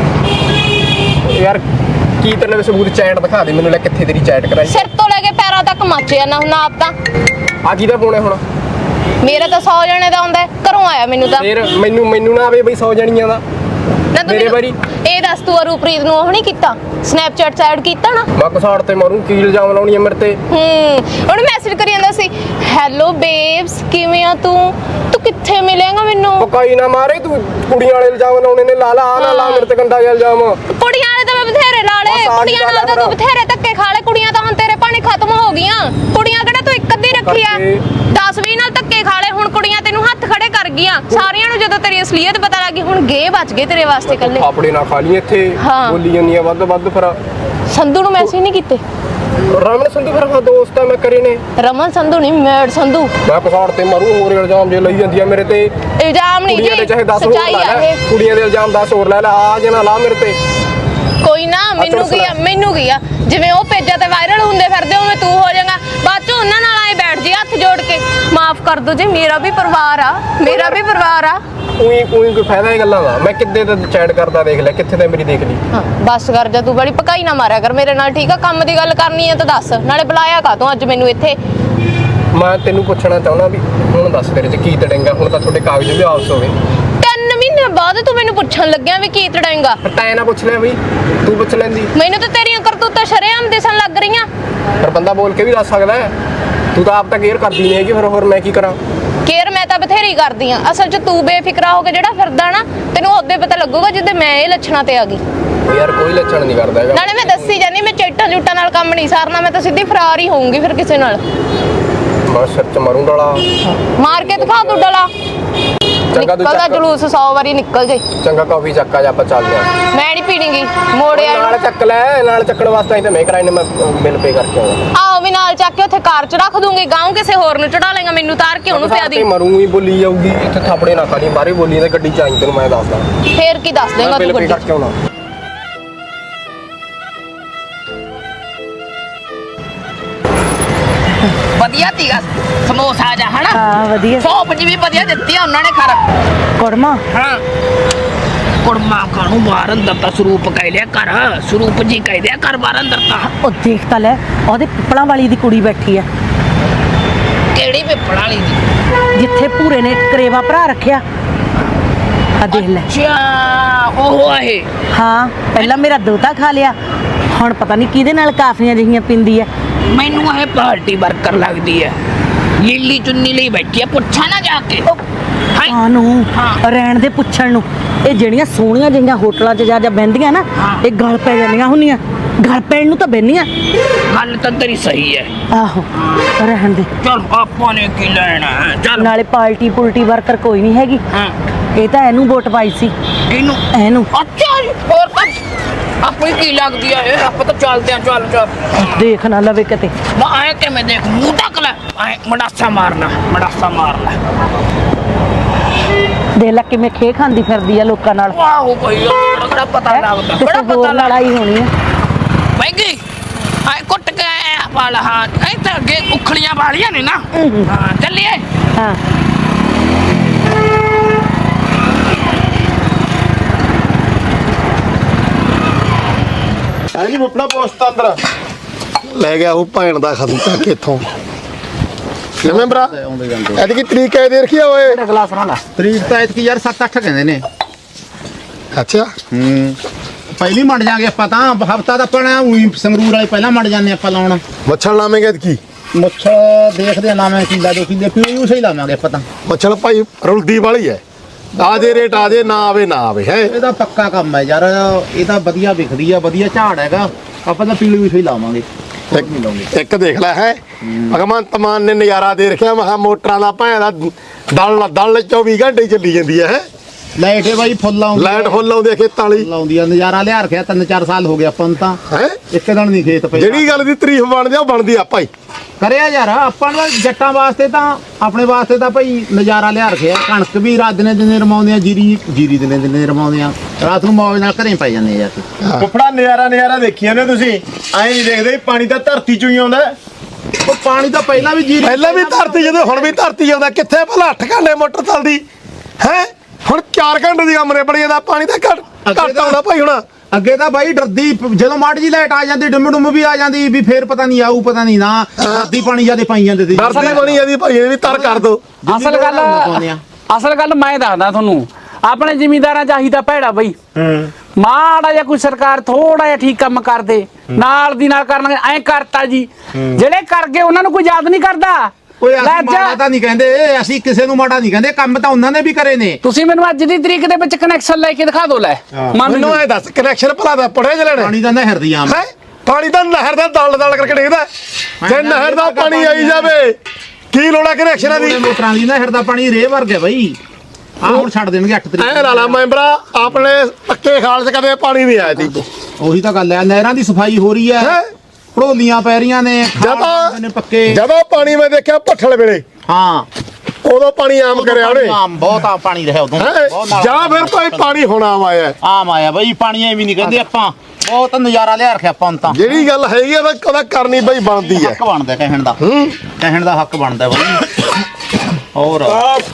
Speaker 6: ਯਾਰ ਕੀ ਤੇਰੇ ਲਈ ਸਬੂਤ ਚੈਟ ਦਿਖਾ ਦੇ ਮੈਨੂੰ ਲੈ ਕਿੱਥੇ ਤੇਰੀ ਚੈਟ ਕਰਾਈ
Speaker 5: ਸਿਰ ਤੋਂ ਲੈ ਕੇ ਪੈਰਾਂ ਤੱਕ ਮੱਚਿਆ ਨਾ ਹੁਣ ਆਪ ਤਾਂ
Speaker 6: ਆ ਕਿਹਦਾ ਫੋਨ ਹੈ ਹੁਣ
Speaker 5: ਮੇਰਾ ਤਾਂ 100 ਜਣੇ ਦਾ ਆਉਂਦਾ ਘਰੋਂ ਆਇਆ ਮੈਨੂੰ ਤਾਂ
Speaker 6: ਫੇਰ ਮੈਨੂੰ ਨਾ ਆਵੇ ਬਈ 100 ਜਣੀਆਂ ਦਾ
Speaker 5: ਨਾ ਤੂੰ
Speaker 6: ਮੇਰੇ
Speaker 5: ਮੈਨੂੰ-
Speaker 6: ਵਾਰੀ
Speaker 5: ਇਹ ਦੱਸ ਤੂੰ ਅਰੂਪ੍ਰੀਤ ਨੂੰ ਉਹ ਨਹੀਂ ਕੀਤਾ ਸਨੈਪਚੈਟ ਸਾਈਡ ਕੀਤਾ ਨਾ
Speaker 6: ਮੈਂ ਕਸਾੜ ਤੇ ਮਾਰੂ ਕੀ ਇਲਜ਼ਾਮ ਲਾਉਣੀ ਹੈ ਮੇਰੇ ਤੇ
Speaker 5: ਉਹਨੇ ਮੈਸੇਜ ਕਰੀ ਜਾਂਦਾ ਸੀ ਹੈਲੋ ਬੇਬਸ ਕਿਵੇਂ ਆ ਤੂੰ ਕਿੱਥੇ ਮਿਲੇਗਾ ਮੈਨੂੰ
Speaker 6: ਪਕਾਈ ਨਾ ਮਾਰੇ ਤੂੰ ਕੁੜੀਆਂ ਵਾਲੇ ਇਲਜ਼ਾਮ ਲਾਉਣੇ ਨੇ ਲਾ ਆ ਨਾ ਲਾ ਮੇਰੇ ਤੇ ਗੰਦਾ ਜਿਹਾ ਇਲਜ਼ਾਮ
Speaker 5: ਕੁੜੀਆਂ ਵਾਲੇ ਤਾਂ ਮੈਂ ਬਥੇਰੇ ਲਾ ਲਏ
Speaker 6: ਬਸ ਆਹੀ
Speaker 5: ਕੁੜੀਆਂ ਨਾਲ ਤਾਂ ਤੂੰ ਬਥੇਰੇ ਧੱਕੇ ਖਾ ਲਏ ਕੁੜੀਆਂ ਤਾਂ ਹੁਣ ਤੇਰੇ ਪਾਣੀ ਖਤਮ ਹੋ ਗਈਆਂ ਕੁੜੀਆਂ ਕਿਹੜਾ ਤੂੰ ਇੱਕ ਅੱਧੀ ਰੱਖੀ ਆ 10-20 ਨਾਲ ਧੱਕੇ ਖਾ ਲਏ ਹੁਣ ਕੁੜੀਆਂ ਤੈਨੂੰ ਹੱਥ ਖੜੇ ਕਰ ਗਈਆਂ ਸਾਰਿਆਂ ਨੂੰ ਜਦੋਂ ਤੇਰੀ ਅਸਲੀਅਤ ਪਤਾ ਲੱਗੀ ਹੁਣ ਗੇ ਬਚ ਗਏ ਤੇਰੇ ਵਾਸਤੇ ਇਕੱਲੇ
Speaker 6: ਥਾਪੜੇ ਨਾ ਖਾ ਲਈ ਇੱਥੇ
Speaker 5: ਹਾਂ।
Speaker 6: ਬੋਲੀ ਜਾਂਦੀ ਆ ਵੱਧ ਫਿਰ
Speaker 5: ਸੰਧੂ ਨੂੰ ਮੈਸੇਜ ਨਹੀਂ ਕੀਤੇ
Speaker 6: ਰਮਨ ਸੰਧੂ ਫਿਰ ਹਾਂ ਦੋਸਤ ਆ ਮੈਂ ਕਰੇ ਨੇ
Speaker 5: ਰਮਨ ਸੰਧੂ ਨਹੀਂ ਮੈਡ ਸੰਧੂ
Speaker 6: ਮੈਂ ਕਸਾੜ ਤੇ ਮਾਰੂ ਹੋਰ ਇਲਜ਼ਾਮ ਜੇ ਲਈ ਜਾਂਦੀ ਆ ਮੇਰੇ ਤੇ
Speaker 5: ਇਲਜ਼ਾਮ ਨਹੀਂ
Speaker 6: ਕੁੜੀਆਂ ਦੇ ਚਾਹੇ 10 ਹੋਰ
Speaker 5: ਸੱਚਾਈ
Speaker 6: ਲਾ
Speaker 5: ਆ
Speaker 6: ਲੈ
Speaker 5: ਇਹ
Speaker 6: ਕੁੜੀਆਂ ਦੇ ਇਲਜ਼ਾਮ 10 ਹੋਰ ਲੈ ਲੈ ਆ ਜੇ ਨਾ ਲਾ ਮੇਰੇ ਤੇ
Speaker 5: ਕੋਈ ਨਾ ਮੈਨੂੰ ਕੀ ਆ ਜਿਵੇਂ ਉਹ ਪੇਜਾਂ ਤੇ ਵਾਇਰਲ ਹੁੰਦੇ ਫਿਰਦੇ ਉਵੇਂ ਤੂੰ ਹੋ ਜਾਏਗਾ ਬਾਅਦ ਚ ਉਹਨਾਂ ਨਾਲ ਆਏ ਬੈਠ ਜੀ ਹੱਥ ਜੋੜ ਕੇ ਮਾਫ ਕਰ ਦੋ ਜੀ ਮੇਰਾ ਵੀ ਪਰਿਵਾਰ ਆ
Speaker 6: ਉਹੀ ਕੋਈ ਫਾਇਦਾ ਇਹ ਗੱਲਾਂ ਦਾ ਮੈਂ ਕਿੱਦੇ ਤੇ ਚੈਟ ਕਰਦਾ ਦੇਖ ਲੈ ਕਿੱਥੇ ਤੇ ਮੇਰੀ ਦੇਖ ਲਈ
Speaker 5: ਹਾਂ ਬਸ ਕਰ ਜਾ ਤੂੰ ਬੜੀ ਪਕਾਈ ਨਾ ਮਾਰਿਆ ਕਰ ਮੇਰੇ ਨਾਲ ਠੀਕ ਆ ਕੰਮ ਦੀ ਗੱਲ ਕਰਨੀ ਹੈ ਤਾਂ ਦੱਸ ਨਾਲੇ ਬੁਲਾਇਆ ਕਾ ਤੂੰ ਅੱਜ ਮੈਨੂੰ ਇੱਥੇ
Speaker 6: ਮੈਂ ਤੈਨੂੰ ਪੁੱਛਣਾ ਚਾਹੁੰਦਾ ਵੀ ਹੁਣ ਦੱਸ ਤੇਰੇ 'ਚ ਕੀ ਤੜੇਂਗਾ ਹੁਣ ਤਾਂ ਤੁਹਾਡੇ ਕਾਗਜ਼ ਵੀ ਵਾਪਸ ਹੋ ਗਏ
Speaker 5: 3 ਮਹੀਨੇ ਬਾਅਦ ਤੂੰ ਮੈਨੂੰ ਪੁੱਛਣ ਲੱਗਿਆ ਵੀ ਕੀ ਤੜਾਏਗਾ
Speaker 6: ਪਰ ਤੈਂ ਨਾ ਪੁੱਛ ਲਿਆ ਬਈ ਤੂੰ ਪੁੱਛ ਲੈਂਦੀ
Speaker 5: ਮੈਨੂੰ ਤਾਂ ਤੇਰੀਆਂ ਕਰਤੂਤਾਂ ਸ਼ਰੇਆਮ ਦਿਸਣ ਲੱਗ ਰਹੀਆਂ
Speaker 6: ਪਰ ਬੰਦਾ ਬੋਲ ਕੇ ਵੀ ਦੱਸ ਸਕਦਾ ਹੈ ਤੂੰ ਤਾਂ ਆਪ ਤਾਂ ਕੇਅਰ ਕਰਦੀ ਨਹੀਂ ਹੈਗੀ ਫਿਰ ਹੋਰ ਮੈਂ ਕੀ ਕਰਾਂ
Speaker 5: ਕੇਅਰ ਮੈਂ ਤਾਂ ਬਥੇਰੀ ਕਰਦੀ ਆ ਅਸਲ 'ਚ ਤੂੰ ਬੇਫਿਕਰਾ ਹੋ ਕੇ ਜਿਹੜਾ ਫਿਰਦਾ ਨਾ ਤੈਨੂੰ ਉਹਦੇ ਪਤਾ ਲੱਗੂਗਾ ਜਿੱਦੇ ਮੈਂ ਇਹ ਲੱਛਣਾਂ ਤੇ ਆ ਗਈ
Speaker 6: ਯਾਰ ਕੋਈ ਲੱਛਣ ਨਹੀਂ ਕਰਦਾ ਹੈਗਾ
Speaker 5: ਨਾਲੇ ਮੈਂ ਦੱਸੀ ਜਾਨੀ ਮੈਂ ਚੇਟਾਂ ਜੂਟਾਂ ਨਾਲ ਕੰਮ ਨਹੀਂ ਸਾਰਨਾ ਮੈਂ ਤਾਂ ਸਿੱਧੀ ਫਰਾਰ ਹੀ ਹੋਊਂਗੀ ਫਿਰ ਕਿਸੇ ਨਾਲ
Speaker 6: ਮੈਂ ਸਿਰ 'ਚ ਮਾਰੂ ਡਾਲਾ
Speaker 5: ਮਾਰ ਕੇ ਦਿਖਾ ਤੂੰ ਡਲਾ
Speaker 6: ਚੰਗਾ ਤੂੰ
Speaker 5: ਨਿਕਲਦਾ
Speaker 6: ਚੱਕ
Speaker 5: ਜਲੂਸ 100 ਵਾਰੀ ਨਿਕਲ ਜੇ
Speaker 6: ਚੰਗਾ ਕਾਫੀ ਚੱਕਾ ਜਾ ਆਪਾਂ ਚੱਲਦੇ ਆ
Speaker 5: ਮੈਂ ਨਹੀਂ ਪੀਣੀਗੀ ਮੋੜਿਆ
Speaker 6: ਨਾਲ ਚੱਕ ਲੈ ਨਾਲ ਚੱਕਣ ਵਾਸਤੇ ਤਾਂ ਮੈਂ ਕਰਾਈ ਨੇ ਮੈਂ ਬਿੱਲ ਪੇ ਕਰਕੇ ਆਉਂਦਾ
Speaker 5: ਆਓ ਵੀ ਨਾਲ ਚੱਕ ਕੇ ਉੱਥੇ ਕਾਰ 'ਚ ਰੱਖ ਦੂੰਗੀ ਗਾਉਂ ਕਿਸੇ ਹੋਰ ਨੂੰ ਚੜਾ ਲੇਗਾ ਮੈਨੂੰ ਤਾਰ ਕੇ ਉਹਨੂੰ ਪਿਆ ਦੀ
Speaker 6: ਮਰੂੰਗੀ ਬੋਲੀ ਜਾਊਗੀ ਇੱਥੇ ਥਾਪੜੇ ਨਾ ਖਾਣੀ ਬਾਹਰੇ ਬੋਲੀ ਤੇ ਗੱਡੀ 'ਚ ਆਈ ਤੈਨੂੰ ਮੈਂ ਦੱਸਦਾ
Speaker 5: ਫੇਰ ਕੀ ਦੱਸ ਦੇਗਾ
Speaker 6: ਮੈਂ
Speaker 5: ਤੂੰ
Speaker 6: ਬਿੱਲ ਪੇ
Speaker 5: ਗੱਡੀ
Speaker 6: ਕਰਕੇ ਆਉਣਾ
Speaker 3: ਵਧੀਆ ਤੀਗਾ ਸਮੋਸਾ ਜਾ ਹਨਾ
Speaker 4: ਹਾਂ ਵਧੀਆ
Speaker 3: ਸੌਪ ਜੀ ਵੀ ਵਧੀਆ ਦਿੱਤੀ ਆ ਉਹਨਾਂ ਨੇ ਖਰ
Speaker 4: ਕੁੜਮਾ
Speaker 3: ਹਾਂ ਕੁੜਮਾ ਕਾਨੂੰ ਬਾਹਰ ਅੰਦਰ ਤਾਂ ਸਰੂਪ ਕਹਿ ਲਿਆ ਕਰ ਸਰੂਪ ਜੀ ਕਹਿ ਦਿਆ ਕਰ ਬਾਹਰ ਅੰਦਰ ਤਾਂ
Speaker 4: ਉਹ ਦੇਖ ਤਾਂ ਲੈ ਉਹਦੇ ਪਿੱਪਲਾਂ ਵਾਲੀ ਦੀ ਕੁੜੀ ਬੈਠੀ ਆ
Speaker 3: ਕਿਹੜੀ ਪਿੱਪੜ ਵਾਲੀ ਦੀ
Speaker 4: ਜਿੱਥੇ ਭੂਰੇ ਨੇ ਕਰੇਵਾ ਭਰਾ ਰੱਖਿਆ ਆ ਦੇਖ ਲੈ
Speaker 3: ਅੱਛਾ ਉਹ ਆਏ
Speaker 4: ਹਾਂ ਪਹਿਲਾਂ ਮੇਰਾ ਦੋਤਾ ਖਾ ਲਿਆ ਹੁਣ ਪਤਾ ਨਹੀਂ ਕਿਹਦੇ ਨਾਲ ਕਾਫੀਆਂ ਜਿਹੀਆਂ ਪਿੰਦੀ ਆ
Speaker 3: ਮੈਨੂੰ ਇਹ ਪਾਰਟੀ ਵਰਕਰ ਲੱਗਦੀ ਹੈ ਲੀਲੀ ਚੁੰਨੀ ਲਈ ਬੈਠੀ ਆ, ਪੁੱਛਾ ਨਾ ਜਾ ਕੇ। ਹਾਏ
Speaker 7: ਨੂੰ ਰਹਿਣ ਦੇ ਪੁੱਛਣ ਨੂੰ। ਇਹ ਜਿਹੜੀਆਂ ਸੋਹਣੀਆਂ ਜਿਹੀਆਂ ਹੋਟਲਾਂ 'ਚ ਜਾ ਬਹਿੰਦੀਆਂ ਨਾ, ਇਹ ਗਲ ਪੈ ਜਾਂਦੀਆਂ ਹੁੰਦੀਆਂ। ਗਲ ਪੈਣ ਨੂੰ ਤਾਂ ਬਹਿੰਦੀਆਂ।
Speaker 3: ਗੱਲ ਤਾਂ ਤੇਰੀ ਸਹੀ ਹੈ।
Speaker 7: ਆਹੋ ਰਹਿਣ ਦੇ।
Speaker 3: ਚਲ ਆਪਾਂ ਨੇ ਕੀ ਲੈਣਾ ਹੈ, ਚੱਲ।
Speaker 7: ਨਾਲੇ ਪਾਰਟੀ ਪੁਲਟੀ ਵਰਕਰ ਕੋਈ ਨਹੀਂ ਹੈਗੀ।
Speaker 3: ਹਾਂ
Speaker 7: ਇਹ ਤਾਂ ਇਹਨੂੰ ਵੋਟ ਪਾਈ ਸੀ।
Speaker 3: ਇਹਨੂੰ
Speaker 7: ਇਹਨੂੰ
Speaker 3: ਅੱਛਾ ਜੀ, ਹੋਰ ਤਾਂ ਆਪਣੀ ਕੀ ਲੱਗਦੀ ਆ ਇਹ? ਆਪਾਂ ਤਾਂ ਚੱਲਦੇ ਆ, ਚੱਲ ਚੱਲ।
Speaker 7: ਦੇਖ ਨਾ ਲਵੇ ਕਿਤੇ।
Speaker 3: ਮੈਂ ਆਏ ਕਿਵੇਂ ਦੇਖ, ਮੂੰਹ ਢੱਕ ਲੈ, ਆਏ ਮੜਾਸਾ ਮਾਰਨਾ, ਮੜਾਸਾ ਮਾਰ ਲੈ।
Speaker 7: ਦੇਖ ਲੈ ਕਿਵੇਂ ਖੇ ਖਾਂਦੀ ਫਿਰਦੀ ਆ ਲੋਕਾਂ ਨਾਲ।
Speaker 3: ਵਾਹ ਕੋਈ ਬੜਾ ਪਤਾ ਲੱਗਦਾ,
Speaker 7: ਕਿਸੇ
Speaker 3: ਬੜਾ ਪਤਾ
Speaker 7: ਹੋਰ
Speaker 3: ਲੱਗਦਾ।
Speaker 7: ਲੜਾਈ ਹੋਣੀ ਆ।
Speaker 3: ਮਹਿੰਗੀ ਆਏ ਕੁੱਟ ਕੇ ਵਾਲਾ ਹਾਂ, ਇਹ ਤਾਂ ਅੱਗੇ ਉਖਲੀਆਂ ਵਾਲੀਆਂ ਨੇ ਨਾ। ਹਾਂ ਚੱਲੀਏ।
Speaker 7: ਹਾਂ
Speaker 1: ਹੈ ਜੀ ਮੁੱਪੜਾ ਪੋਸਟ ਅੰਦਰ
Speaker 2: ਲੈ ਗਿਆ ਉਹ ਭੈਣ ਦਾ ਖਤਮ ਚੱਕ ਇੱਥੋਂ। ਕਿਵੇਂ ਭਰਾ ਐਤਕੀ ਤਰੀਕ ਹੈ ਦੇ ਰੱਖੀ ਆ ਓਏ।
Speaker 3: ਗਲਾਸ ਨਾਲ
Speaker 6: ਤਰੀਕ ਤਾਂ ਇਤਕੀ ਯਾਰ 7-8 ਕਹਿੰਦੇ ਨੇ।
Speaker 2: ਅੱਛਾ
Speaker 6: ਪਹਿਲੀ ਮੰਡ ਜਾਾਂਗੇ ਆਪਾਂ ਤਾਂ, ਹਫਤਾ ਦਾ ਆਪਣਾ ਉਹੀ ਸੰਗਰੂਰ ਵਾਲੇ ਪਹਿਲਾਂ ਮੰਡ ਜਾਂਦੇ ਆਪਾਂ ਲਾਉਣ।
Speaker 2: ਮੱਛਲ ਲਾਵੇਂਗੇ ਐਤਕੀ।
Speaker 6: ਮੁੱਛ ਦੇਖਦੇ ਆ ਲਾਵੇਂ ਕਿੱਲਾ 2 ਕਿੱਲੇ ਪਿਓ ਸਹੀ ਲਾਵਾਂਗੇ ਆਪਾਂ ਤਾਂ।
Speaker 2: ਮੱਛਲ ਭਾਈ ਰੁਲਦੀ ਵਾਲੀ ਹੈ। ਆ ਜੇ ਰੇਟ ਆ ਜੇ, ਨਾ ਆਵੇ ਨਾ ਆਵੇ ਹੈ।
Speaker 6: ਇਹਦਾ ਪੱਕਾ ਕੰਮ ਹੈ ਯਾਰ, ਇਹ ਤਾਂ ਵਧੀਆ ਵਿਖਦੀ ਆ, ਵਧੀਆ ਝਾੜ ਹੈਗਾ। ਆਪਾਂ ਤਾਂ ਪੀਲੀ ਵੀ ਸਹੀ ਲਾਵਾਂਗੇ।
Speaker 2: ਇੱਕ ਦੇਖ ਲੈ ਹੈ ਭਗਵੰਤ ਮਾਨ ਨੇ ਨਜ਼ਾਰਾ ਦੇ ਰੱਖਿਆ। ਮਹਾ ਮੋਟਰਾਂ ਦਾ ਭੈਣ ਦਾ ਦਲ 24 ਘੰਟੇ ਚੱਲੀ ਜਾਂਦੀ ਹੈ।
Speaker 6: ਲਾਈਟ ਹੈ ਬਾਈ ਫੁੱਲ ਆਉਂਦੀ,
Speaker 2: ਲਾਈਟ ਫੁੱਲ ਆਉਂਦੀ ਹੈ ਖੇਤਾਂ ਵਾਲੀ।
Speaker 6: ਲਾਉਂਦੀ ਆ, ਨਜ਼ਾਰਾ ਲਿਆ ਰੱਖਿਆ। 3-4 ਸਾਲ ਹੋ ਗਏ ਆਪਾਂ ਨੂੰ ਤਾਂ,
Speaker 2: ਹੈ
Speaker 6: ਇੱਕ ਦਿਨ ਨਹੀਂ ਖੇਤ ਪਏ।
Speaker 2: ਜਿਹੜੀ ਗੱਲ ਦੀ ਤਾਰੀਫ ਬਣਦੀ ਆ ਉਹ ਬਣਦੀ ਆ ਭਾਈ।
Speaker 6: ਕਰਿਆ ਯਾਰ ਆਪਾਂ ਨੂੰ ਜੱਟਾਂ ਵਾਸਤੇ ਤਾਂ, ਆਪਣੇ ਵਾਸਤੇ ਤਾਂ ਭਾਈ ਨਜ਼ਾਰਾ ਲਿਆ ਰੱਖਿਆ। ਕਣਕ ਵੀ ਰਾਤ ਦਿਨੇ ਰਮਾਉਂਦੇ ਆ, ਜੀਰੀ ਦਿਨੇ ਰਮਾਉਂਦੇ ਆ। ਰਾਤ ਨੂੰ ਮੌਜ ਨਾਲ ਘਰੇ ਪੈ ਜਾਂਦੇ ਆ ਯਾਰ।
Speaker 1: ਮੁੱਪੜਾ ਨਜ਼ਾਰਾ ਦੇਖਿਆ ਨੇ ਤੁਸੀਂ? ਐਂ ਨਹੀਂ ਦੇਖਦੇ ਪਾਣੀ ਤਾਂ ਧਰਤੀ ਚੋਂ ਹੀ ਆਉਂਦਾ।
Speaker 6: ਉਹ ਪਾਣੀ ਤਾਂ ਪਹਿਲਾਂ ਵੀ ਜੀਰੀ,
Speaker 2: ਪਹਿਲਾਂ ਵੀ ਧਰਤੀ ਜਦੋਂ ਹੁਣ ਵੀ ਧਰਤੀ ਆਉਂਦਾ। ਕਿੱਥੇ ਭਲਾ 8 ਘੰਟੇ ਮੋਟਰ ਚੱਲਦੀ ਹੈ, ਹੁਣ 4 ਘੰਟੇ ਦੀ ਕਮਰੇ ਬੜੀ ਜਾਂਦਾ। ਪਾਣੀ ਤਾਂ ਘੱਟ ਆਉਂਦਾ ਭਾਈ। ਹੁਣ
Speaker 6: ਅੱਗੇ ਤਾਂ ਬਾਈ ਡਰਦੀ, ਜਦੋਂ ਮਾੜੀ ਜੀ ਲਾਈਟ ਆ ਜਾਂਦੀ, ਡੁੰਮ ਵੀ ਆ ਜਾਂਦੀ ਵੀ ਫੇਰ ਪਤਾ ਨਹੀਂ ਆਊ, ਪਤਾ ਨਹੀਂ ਨਾ। ਧਰਤੀ ਪਾਣੀ ਜਿਆਦੇ ਪਾਈ ਜਾਂਦੇ ਸੀ।
Speaker 2: ਡਰਦੀ ਬਣੀ ਜਾਂਦੀ ਭਾਈ, ਇਹ ਵੀ ਤਰ ਕਰ ਦੋ।
Speaker 3: ਅਸਲ ਗੱਲ ਮੈਂ ਦੱਸਦਾ ਤੁਹਾਨੂੰ, ਆਪਣੇ ਜ਼ਿਮੀਂਦਾਰਾਂ ਚਾਹੀਦਾ ਭੈੜਾ ਬਈ। ਮਾੜਾ ਜਿਹਾ ਕੋਈ ਸਰਕਾਰ ਥੋੜਾ ਜਿਹਾ ਠੀਕ ਕੰਮ ਕਰਦੇ, ਨਾਲ ਦੀ ਨਾਲ ਕਰਨਗੇ। ਐਂ ਕਰਤਾ ਜੀ, ਜਿਹੜੇ ਕਰ ਗਏ ਉਹਨਾਂ ਨੂੰ ਕੋਈ ਯਾਦ ਨਹੀਂ ਕਰਦਾ।
Speaker 6: ਓਏ ਅਸੀਂ ਮਾੜਾ ਤਾਂ ਨਹੀਂ ਕਹਿੰਦੇ, ਅਸੀਂ ਕਿਸੇ ਨੂੰ ਮਾੜਾ ਨਹੀਂ ਕਹਿੰਦੇ। ਕੰਮ ਤਾਂ ਉਹਨਾਂ ਨੇ ਵੀ ਕਰੇ ਨੇ।
Speaker 3: ਤੁਸੀਂ ਮੈਨੂੰ ਅੱਜ ਦੀ ਤਰੀਕ ਦੇ ਵਿੱਚ ਕਨੈਕਸ਼ਨ ਲੈ ਕੇ ਦਿਖਾ ਦਿਓ। ਲੈ
Speaker 2: ਮੈਨੂੰ ਐ ਦੱਸ, ਕਨੈਕਸ਼ਨ ਭਲਾ ਦਾ ਪੜਿਆ ਚ ਲੈਣਾ?
Speaker 6: ਪਾਣੀ ਦਾ ਨਹਿਰ ਦੀ ਆਮ
Speaker 2: ਹੈ, ਪਾਣੀ ਤਾਂ ਨਹਿਰ ਦਾ ਦਲ ਕਰਕੇ ਡਿੱਗਦਾ। ਜੇ ਨਹਿਰ ਦਾ ਪਾਣੀ ਆਈ ਜਾਵੇ, ਕੀ ਲੋੜਾ ਕਨੈਕਸ਼ਨਾਂ ਦੀ?
Speaker 6: ਮੋਟਰਾਂ ਦੀ ਨਹਿਰ ਦਾ ਪਾਣੀ ਰੇ ਵਰਗਾ ਬਈ। ਆ ਹੁਣ ਛੱਡ ਦੇਣਗੇ 8 ਤਰੀਕ।
Speaker 2: ਐ ਲਾਲਾ ਮੈਂਬਰਾ, ਆਪਣੇ ਪੱਕੇ ਖਾਲ 'ਚ ਕਦੇ ਪਾਣੀ ਨਹੀਂ ਆਇਆ ਸੀ।
Speaker 6: ਉਹੀ ਤਾਂ ਗੱਲ ਹੈ, ਨਹਿਰਾਂ ਦੀ ਸਫਾਈ ਹੋ ਰਹੀ ਹੈ, ਢੋਲੀਆਂ ਪੈ ਰਹੀਆਂ ਨੇ, ਪੱਕੇ।
Speaker 2: ਜਦੋਂ ਪਾਣੀ ਮੈਂ ਦੇਖਿਆ ਭੱਠਲ ਵੇਲੇ,
Speaker 6: ਹਾਂ
Speaker 2: ਉਦੋਂ ਪਾਣੀ ਆਮ ਕਰਿਆ ਉਹਨੇ।
Speaker 6: ਆਮ ਬਹੁਤ ਆ ਪਾਣੀ ਰਿਹਾ ਉਦੋਂ।
Speaker 2: ਜਾਂ ਫਿਰ ਕੋਈ ਪਾਣੀ ਹੁਣ ਆਮ ਆਇਆ।
Speaker 6: ਆਮ ਆਇਆ ਬਈ, ਪਾਣੀ ਐਵੇਂ ਨਹੀਂ ਕਹਿੰਦੇ ਆਪਾਂ। ਬਹੁਤ ਨਜ਼ਾਰਾ ਲਿਆ ਰੱਖਿਆ ਆਪਾਂ ਨੂੰ ਤਾਂ।
Speaker 2: ਜਿਹੜੀ ਗੱਲ ਹੈਗੀ ਉਹਦਾ ਕਰਨੀ ਬਈ ਬਣਦੀ ਹੈ।
Speaker 6: ਹੱਕ ਬਣਦਾ ਕਹਿਣ ਦਾ, ਕਹਿਣ ਦਾ ਹੱਕ ਬਣਦਾ ਬਈ। ਹੋਰ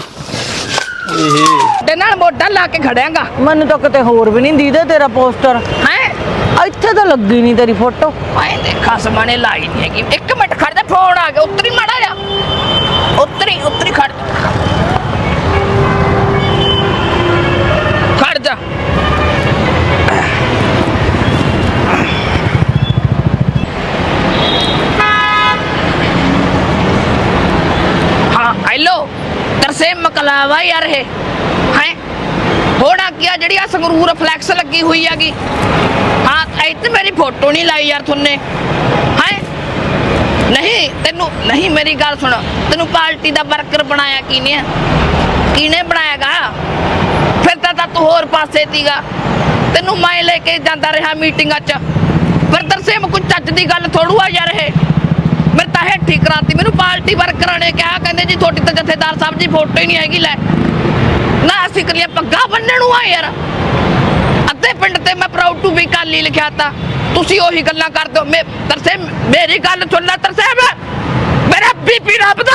Speaker 3: ਤੇ ਨਾਲ ਮੋਢਾ ਲਾ ਕੇ ਖੜਿਆਂਗਾ।
Speaker 7: ਮੈਨੂੰ ਤਾਂ ਕਿਤੇ ਹੋਰ ਵੀ ਨਹੀਂ ਦੀਦਾ ਤੇਰਾ ਪੋਸਟਰ।
Speaker 3: ਹੈ
Speaker 7: ਇੱਥੇ ਤਾਂ ਲੱਗੀ ਨਹੀਂ ਤੇਰੀ ਫੋਟੋ।
Speaker 3: ਆਏ ਦੇਖਾ ਸਮਾਨੇ ਲਾਈ ਨਹੀਂ ਹੈਗੀ। 1 ਮਿੰਟ ਖੜ ਜਾ, ਫੋਨ ਆ ਗਿਆ। ਉੱਤਰੀ ਮਾੜਾ ਜਾ, ਉੱਤਰੀ ਖੜ ਜਾ। ਹਾਂ ਹੈਲੋ ਤਰਸੇਮ ਮਕਲਾਵਾ ਯਾਰ ਇਹ ਹੈ ਹੋਣਾ ਕੀ ਆ? ਜਿਹੜੀ ਆ ਸੰਗਰੂਰ ਫਲੈਕਸ ਲੱਗੀ ਹੋਈ ਹੈਗੀ। ਹਾਂ ਇੱਥੇ ਮੇਰੀ ਫੋਟੋ ਨਹੀਂ ਲਾਈ ਯਾਰ ਤੁਨੇ ਹੈ। ਨਹੀਂ ਤੈਨੂੰ ਨਹੀਂ, ਮੇਰੀ ਗੱਲ ਸੁਣ, ਤੈਨੂੰ ਪਾਰਟੀ ਦਾ ਵਰਕਰ ਬਣਾਇਆ ਕਿਹਨੇ ਬਣਾਇਆਗਾ? ਫਿਰ ਤਾਂ ਤੂੰ ਹੋਰ ਪਾਸੇ ਸੀਗਾ। ਤੈਨੂੰ ਮੈਂ ਲੈ ਕੇ ਜਾਂਦਾ ਰਿਹਾ ਮੀਟਿੰਗਾਂ 'ਚ। ਫਿਰ ਤਰਸੇਮ ਕੋਈ ਚੱਜ ਦੀ ਗੱਲ ਥੋੜੂ ਆ ਯਾਰ ਇਹ। ਮੇਰੇ ਤਾਂ ਹੇਠੀ ਕਰਾਤੀ। ਮੈਨੂੰ ਪਾਰਟੀ ਵਰਕਰਾਂ ਨੇ ਕਿਹਾ, ਕਹਿੰਦੇ ਜੀ ਤੁਹਾਡੀ ਤਾਂ ਜਥੇਦਾਰ ਸਾਹਿਬ ਦੀ ਫੋਟੋ ਹੀ ਨਹੀਂ ਹੈਗੀ। ਲੈ ਨਾ ਅਸੀਂ ਕਰੀਏ ਪੱਗਾ ਬੰਨਣ ਨੂੰ ਆ ਯਾਰ। ਅੱਧੇ ਪਿੰਡ ਤੇ ਮੈਂ ਪ੍ਰਾਊਡ ਟੂ ਬੀ ਕਾਲੀ ਲਿਖਿਆ ਤਾ। ਤੁਸੀਂ ਉਹੀ ਗੱਲਾਂ ਕਰਦੇ ਹੋ। ਤਰਸੇਮ ਮੇਰੀ ਗੱਲ ਸੁਣ ਲੈ ਤਰਸੇਮ, ਮੇਰਾ ਬੀਪੀ ਰੱਬਦਾ।